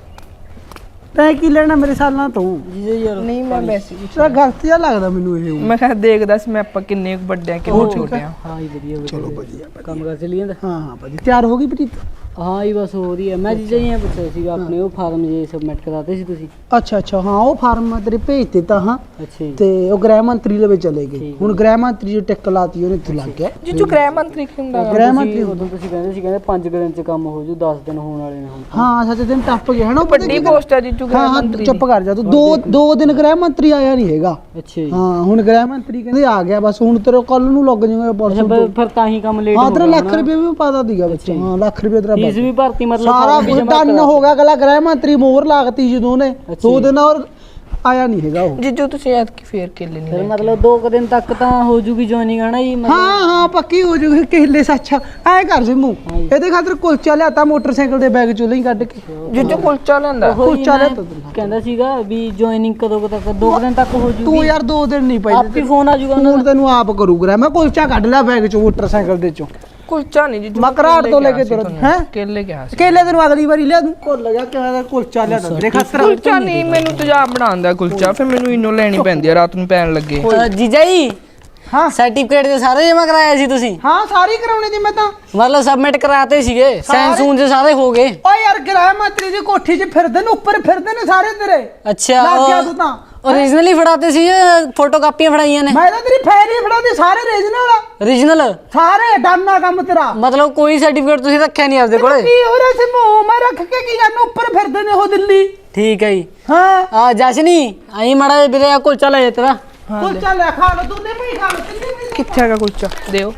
Speaker 1: ਤੈਂ ਕੀ ਲੈਣਾ ਮੇਰੇ ਸਾਲਾਂ ਤੋਂ?
Speaker 7: ਜੀਜਾ ਯਾਰ
Speaker 3: ਨਹੀਂ ਮੈਂ ਵੈਸੇ
Speaker 1: ਤੇਰਾ ਗਲਤ ਜਿਹਾ ਲੱਗਦਾ ਮੈਨੂੰ ਇਹ।
Speaker 3: ਮੈਂ ਕਿਹਾ ਦੇਖਦਾ ਸੀ ਮੈਂ ਆਪਾਂ ਕਿੰਨੇ ਕੁ ਵੱਡੇ ਆ ਕਿੰਨੇ ਛੋਟੇ ਆ।
Speaker 7: ਹਾਂ ਜੀ ਵਧੀਆ ਵਧੀਆ।
Speaker 1: ਚਲੋ ਵਧੀਆ।
Speaker 7: ਕੰਮ ਕਰ ਚਲੀ ਜਾਂਦਾ।
Speaker 1: ਹਾਂ ਹਾਂ ਭਾਜੀ ਤਿਆਰ ਹੋ ਗਈ ਪ੍ਰੀਤ?
Speaker 7: ਹਾਂ ਹੀ ਬਸ ਹੋ ਰਹੀ ਹੈ। ਮੈਂ ਜੀਜਾ ਜੀ ਇਹ ਪੁੱਛਿਆ ਸੀਗਾ ਆਪਣੇ ਉਹ ਫਾਰਮ ਜੇ ਸਬਮਿਟ ਕਰਾਤੇ ਸੀ ਤੁਸੀਂ।
Speaker 1: ਅੱਛਾ ਅੱਛਾ ਹਾਂ ਉਹ ਫਾਰਮ ਮੈਂ ਤੇਰੇ ਭੇਜ ਦਿੱਤਾ। ਹਾਂ
Speaker 7: ਅੱਛਾ ਜੀ।
Speaker 1: ਤੇ ਉਹ ਗ੍ਰਹਿ ਮੰਤਰੀ ਦੇ ਵਿੱਚ ਚਲੇ ਗਏ। ਹੁਣ ਗ੍ਰਹਿ ਮੰਤਰੀ ਜੋ ਟਿਕ ਲਾਤੀ ਉਹਨੇ ਇੱਥੇ ਲੱਗ ਗਿਆ।
Speaker 3: ਜੀਜੂ ਗ੍ਰਹਿ ਮੰਤਰੀ ਕੀ ਹੁੰਦਾ?
Speaker 1: ਗ੍ਰਹਿ ਮੰਤਰੀ
Speaker 7: ਉਦੋਂ ਤੁਸੀਂ ਕਹਿੰਦੇ ਸੀ ਕਹਿੰਦੇ ਪੰਜ ਦਿਨ ਚ ਕੰਮ ਹੋ ਜੂ, ਦਸ ਦਿਨ ਹੋਣ ਵਾਲੇ ਨੇ ਹੁਣ।
Speaker 1: ਹਾਂ ਸੱਚ ਦਿਨ ਟੱਪ ਗਿਆ ਹੈ ਨਾ ਉਹ ਪਤਾ
Speaker 3: ਵੱਡੀ
Speaker 1: ਕੀ ਗੱਲ-
Speaker 3: ਪੋਸਟ ਆ ਜੀਜੂ
Speaker 1: ਹਾਂ
Speaker 3: ਗ੍ਰਹਿ
Speaker 1: ਹਾਂ
Speaker 3: ਮੰਤਰੀ
Speaker 1: ਚੁੱਪ ਕਰ ਜਾ ਤੂੰ। ਦੋ ਦੋ ਦਿਨ ਗ੍ਰਹਿ ਮੰਤਰੀ ਆਇਆ ਨਹੀਂ ਹੈਗਾ।
Speaker 7: ਅੱਛਾ ਜੀ।
Speaker 1: ਹਾਂ ਹੁਣ ਗ੍ਰਹਿ ਮੰਤਰੀ ਕਹਿੰਦੇ ਆ ਗਿਆ ਬਸ। ਹੁਣ ਤੇਰੇ ਕੱਲ ਨੂੰ ਲੱਗ ਜਾਊਗਾ
Speaker 7: ਅੱਛਾ
Speaker 1: ਪਰਸੋਂ
Speaker 7: ਫਿਰ-
Speaker 1: ਤੋਂ।
Speaker 7: ਫਿਰ ਤਾਂ ਹੀ ਕੰਮ ਲੇਟ
Speaker 1: ਹਾਂ
Speaker 7: ਹੋ
Speaker 1: ਤੇਰਾ
Speaker 7: ਗਿਆ
Speaker 1: ਲੱਖ ਰੁਪਏ ਵੀ ਪਾਦਾ ਦੀਗਾ ਬੱਚੇ। ਹਾਂ ਲੱਖ ਰੁਪਏ ਤੇਰਾ
Speaker 7: ਫੀਸ
Speaker 1: ਬਚ-
Speaker 7: ਵੀ ਭਰਤੀ ਮਤਲਬ
Speaker 1: ਸਾਰਾ
Speaker 7: form ਵੀ
Speaker 1: ਕੁਝ
Speaker 7: ਜਮ੍ਹਾਂ
Speaker 1: ਡਨ
Speaker 7: ਕਰਾ-
Speaker 1: ਹੋ ਗਿਆ। ਅਗਲਾ ਗ੍ਰਹਿ ਮੰਤਰੀ ਮੋਹਰ ਲਾਗਤੀ ਜਦੋਂ ਨੇ ਦੋ ਦਿਨ ਔਰ ਆਇਆ ਨਹੀਂ ਹੈਗਾ ਉਹ।
Speaker 3: ਜੀਜੂ ਤੁਸੀਂ ਐਤ ਕੀ ਫੇਰ ਕੇਲੇ ਨਹੀਂ
Speaker 7: ਫਿਰ
Speaker 3: ਲੈ
Speaker 7: ਮਤਲਬ ਦੋ ਕੁ ਦਿਨ ਤੱਕ ਤਾਂ ਹੋ ਜੂਗੀ ਜੁਆਇਨਿੰਗ ਹੈ ਨਾ ਜੀ ਮਤਲਬ।
Speaker 1: ਹਾਂ ਹਾਂ ਪੱਕੀ ਹੋ ਜੂਗੀ। ਕਿਹਲੇ ਸੱਚ ਐ ਕਰ ਸਿਮੂ ਇਹਦੇ ਖਾਤਰ ਕੁਲਚਾ ਲਿਆਤਾ ਮੋਟਰਸਾਈਕਲ ਦੇ ਬੈਗ ਚੋਂ ਲਈ ਕੱਢ ਕੇ।
Speaker 3: ਜੀਜੂ ਕੁਲਚਾ ਲੈਂਦਾ।
Speaker 7: ਉਹੀ
Speaker 1: ਕੁਲਚਾ
Speaker 7: ਮੈਂ
Speaker 1: ਲਿਆਤਾ ਤੈਨੂੰ।
Speaker 7: ਕਹਿੰਦਾ ਸੀਗਾ ਵੀ ਜੁਆਇਨਿੰਗ ਕਦੋਂ ਕੁ ਤੱਕ, ਦੋ ਕੁ ਦਿਨ ਤੱਕ ਹੋ ਜੂਗੀ।
Speaker 1: ਤੂੰ ਯਾਰ ਦੋ ਦਿਨ ਨਹੀਂ ਪਈ
Speaker 7: ਆਪੀ ਫੋਨ ਆ ਜੂਗਾ ਉਹਨਾਂ
Speaker 1: ਹੁਣ ਤੈਨੂੰ ਆਪ ਕਰੂਗਾ। ਮੈਂ ਕੁਲਚਾ ਕੱਢ ਲਿਆ ਬੈਗ ਚੋਂ ਮੋਟਰਸਾਈਕਲ ਦੇ ਚੋਂ।
Speaker 3: ਕੁਲਚਾ ਨਹੀਂ ਜੀਜੂ
Speaker 1: ਮੈਂ ਘਰਾਟ ਤੋਂ ਲੈ ਕੇ ਤੁਰ ਹੈ
Speaker 3: ਕੇਲੇ ਕਿਹਾ ਸੀ।
Speaker 1: ਕੇਲੇ ਤੈਨੂੰ ਅਗਲੀ ਵਾਰੀ ਲਿਆ ਦੂੰ। ਭੁੱਲ ਜਾ ਕਿਵੇਂ ਦਾ ਕੁਲਚਾ ਲਿਆ ਤੇਰੇ ਖਾਤਰ।
Speaker 3: ਕੁਲਚਾ ਨਹੀਂ ਮੈਨੂੰ ਤੇਜ਼ਾਬ ਬਣਾਉਂਦਾ ਕੁਲਚਾ, ਫਿਰ ਮੈਨੂੰ ਇਨੋ ਲੈਣੀ ਪੈਂਦੀ ਆ ਰਾਤ ਨੂੰ ਪੈਣ ਲੱਗੇ।
Speaker 7: ਦਾ। ਜੀਜਾ ਜੀ
Speaker 1: ਹਾਂ
Speaker 7: ਸਰਟੀਫਿਕੇਟ ਦੇ ਸਾਰੇ ਜਮਾ ਕਰਾਇਆ ਸੀ ਤੁਸੀਂ?
Speaker 1: ਹਾਂ ਸਾਰੀ ਕਰਾਉਣੀ ਦੀ ਮੈਂ ਤਾਂ।
Speaker 7: ਮਤਲਬ ਸਬਮਿਟ ਕਰਾਤੇ ਸੀਗੇ, ਸਾਈਨ ਸੂਨ ਦੇ ਸਾਰੇ ਹੋ ਗਏ?
Speaker 1: ਓ ਯਾਰ ਗ੍ਰਹਿ ਮੰਤਰੀ ਦੀ ਕੋਠੀ 'ਚ ਫਿਰਦੇ ਨੇ, ਉੱਪਰ ਫਿਰਦੇ ਨੇ ਸਾਰੇ ਤੇਰੇ।
Speaker 7: ਅੱਛਾ
Speaker 1: ਲੱਗ ਗਿਆ ਤੂੰ ਤਾਂ।
Speaker 7: ਓਰੀਜਨਲੀ ਫੜਾਤੇ ਸੀ ਫੋਟੋ ਕਾਪੀਆਂ ਫੜਾਈਆਂ ਨੇ?
Speaker 1: ਮੈਂ ਤਾਂ ਤੇਰੀ ਫੈਰ ਹੀ ਫੜਾਉਂਦੀ ਸਾਰੇ ਰੀਜਨਲ
Speaker 7: ਓਰੀਜਨਲ
Speaker 1: ਸਾਰੇ ਡਾਨਾ ਕੰਮ ਤੇਰਾ।
Speaker 7: ਮਤਲਬ ਕੋਈ ਸਰਟੀਫਿਕੇਟ ਤੁਸੀਂ ਰੱਖਿਆ ਨਹੀਂ ਆਪਦੇ ਕੋਲੇ?
Speaker 1: ਕੀ ਹੋ ਰਿਹਾ ਸੀ ਮੂੰਹ ਮੈਂ ਰੱਖ ਕੇ ਕੀ ਕਰਨਾ? ਉੱਪਰ ਫਿਰਦੇ ਨੇ ਉਹ ਦਿੱਲੀ।
Speaker 7: ਠੀਕ ਹੈ ਜੀ।
Speaker 1: ਹਾਂ
Speaker 7: ਆ ਜਸ਼ਨੀ ਆਈ ਮਾੜਾ ਜਿਹਾ ਵੀਰੇ ਆ ਕੁਲਚਾ ਲੈ ਜਾ ਤੇਰਾ।
Speaker 1: ਕੁਲਚਾ ਲੈ ਖਾ ਲੋ ਤੂੰ। ਨੇ ਵੀ ਖਾ ਲੋ ਤਿੰਨੇ ਵੀ।
Speaker 3: ਕਿੱਥੇ ਹੈਗਾ ਕੁਲਚਾ ਦਿਓ।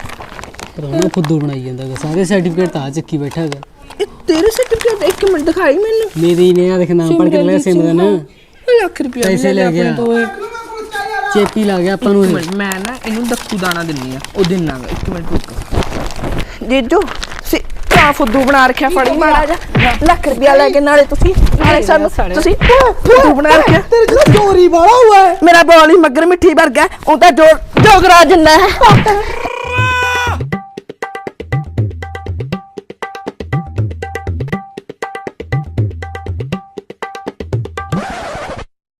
Speaker 7: ਪਰ ਉਹ ਫੁੱਦੂ ਬਣਾਈ ਜਾਂਦਾ ਗਾ, ਸਾਰੇ ਸਰਟੀਫਿਕੇਟ ਤਾਂ ਆ ਚੱਕੀ ਬੈਠਾ ਹੈਗਾ।
Speaker 3: ਇਹ ਤੇਰੇ ਸਰਟੀਫਿਕੇਟ ਇੱਕ ਮਿੰਟ ਦਿਖਾਈ ਮੈਨੂੰ।
Speaker 7: ਮੇਰੀ ਨੇ ਆ ਦੇਖ ਨਾਮ ਪੜ ਕੇ ਲਿਆ ਸਿਮਰਨ
Speaker 3: ਲੱਖ ਰੁਪਏ
Speaker 7: ਪੈਸੇ ਲੈ ਗਿਆ। ਚੇਪੀ ਲੱਗ ਗਿਆ ਆਪਾਂ ਨੂੰ
Speaker 3: ਇੱਕ
Speaker 7: ਇਹ।
Speaker 3: ਮਿੰਟ, ਮੈਂ ਨਾ ਇਹਨੂੰ ਦੱਖੂ ਦਾਣਾ ਦਿੰਨੀ ਆ ਉਹ ਦਿਨਾਂਗਾ। ਇੱਕ ਮਿੰਟ ਰੁਕ।
Speaker 8: ਜੀਜੂ ਤੁਸੀਂ ਕਾ ਫੁੱਦੂ ਬਣਾ ਰੱਖਿਆ ਫੜੀ ਮਾੜਾ ਜਾ ਲੱਖ ਰੁਪਿਆ ਲੈ ਕੇ ਨਾਲੇ ਤੁਸੀਂ ਨਾਲੇ ਸਾਨੂੰ ਤੁਸੀਂ ਫੁੱਦੂ ਬਣਾ ਰੱਖਿਆ
Speaker 1: ਤੇਰੇ ਚ ਚੋਰੀ ਵਾਲਾ ਹੋਇਆ ਹੈ।
Speaker 8: ਮੇਰਾ ਬੋਲ ਹੀ ਮੱਗਰ ਮਿੱਠੀ ਵਰਗਾ ਉਹ ਤਾਂ ਜੋ ਜੋਗਰਾ ਜਿੰਨਾ ਹੈ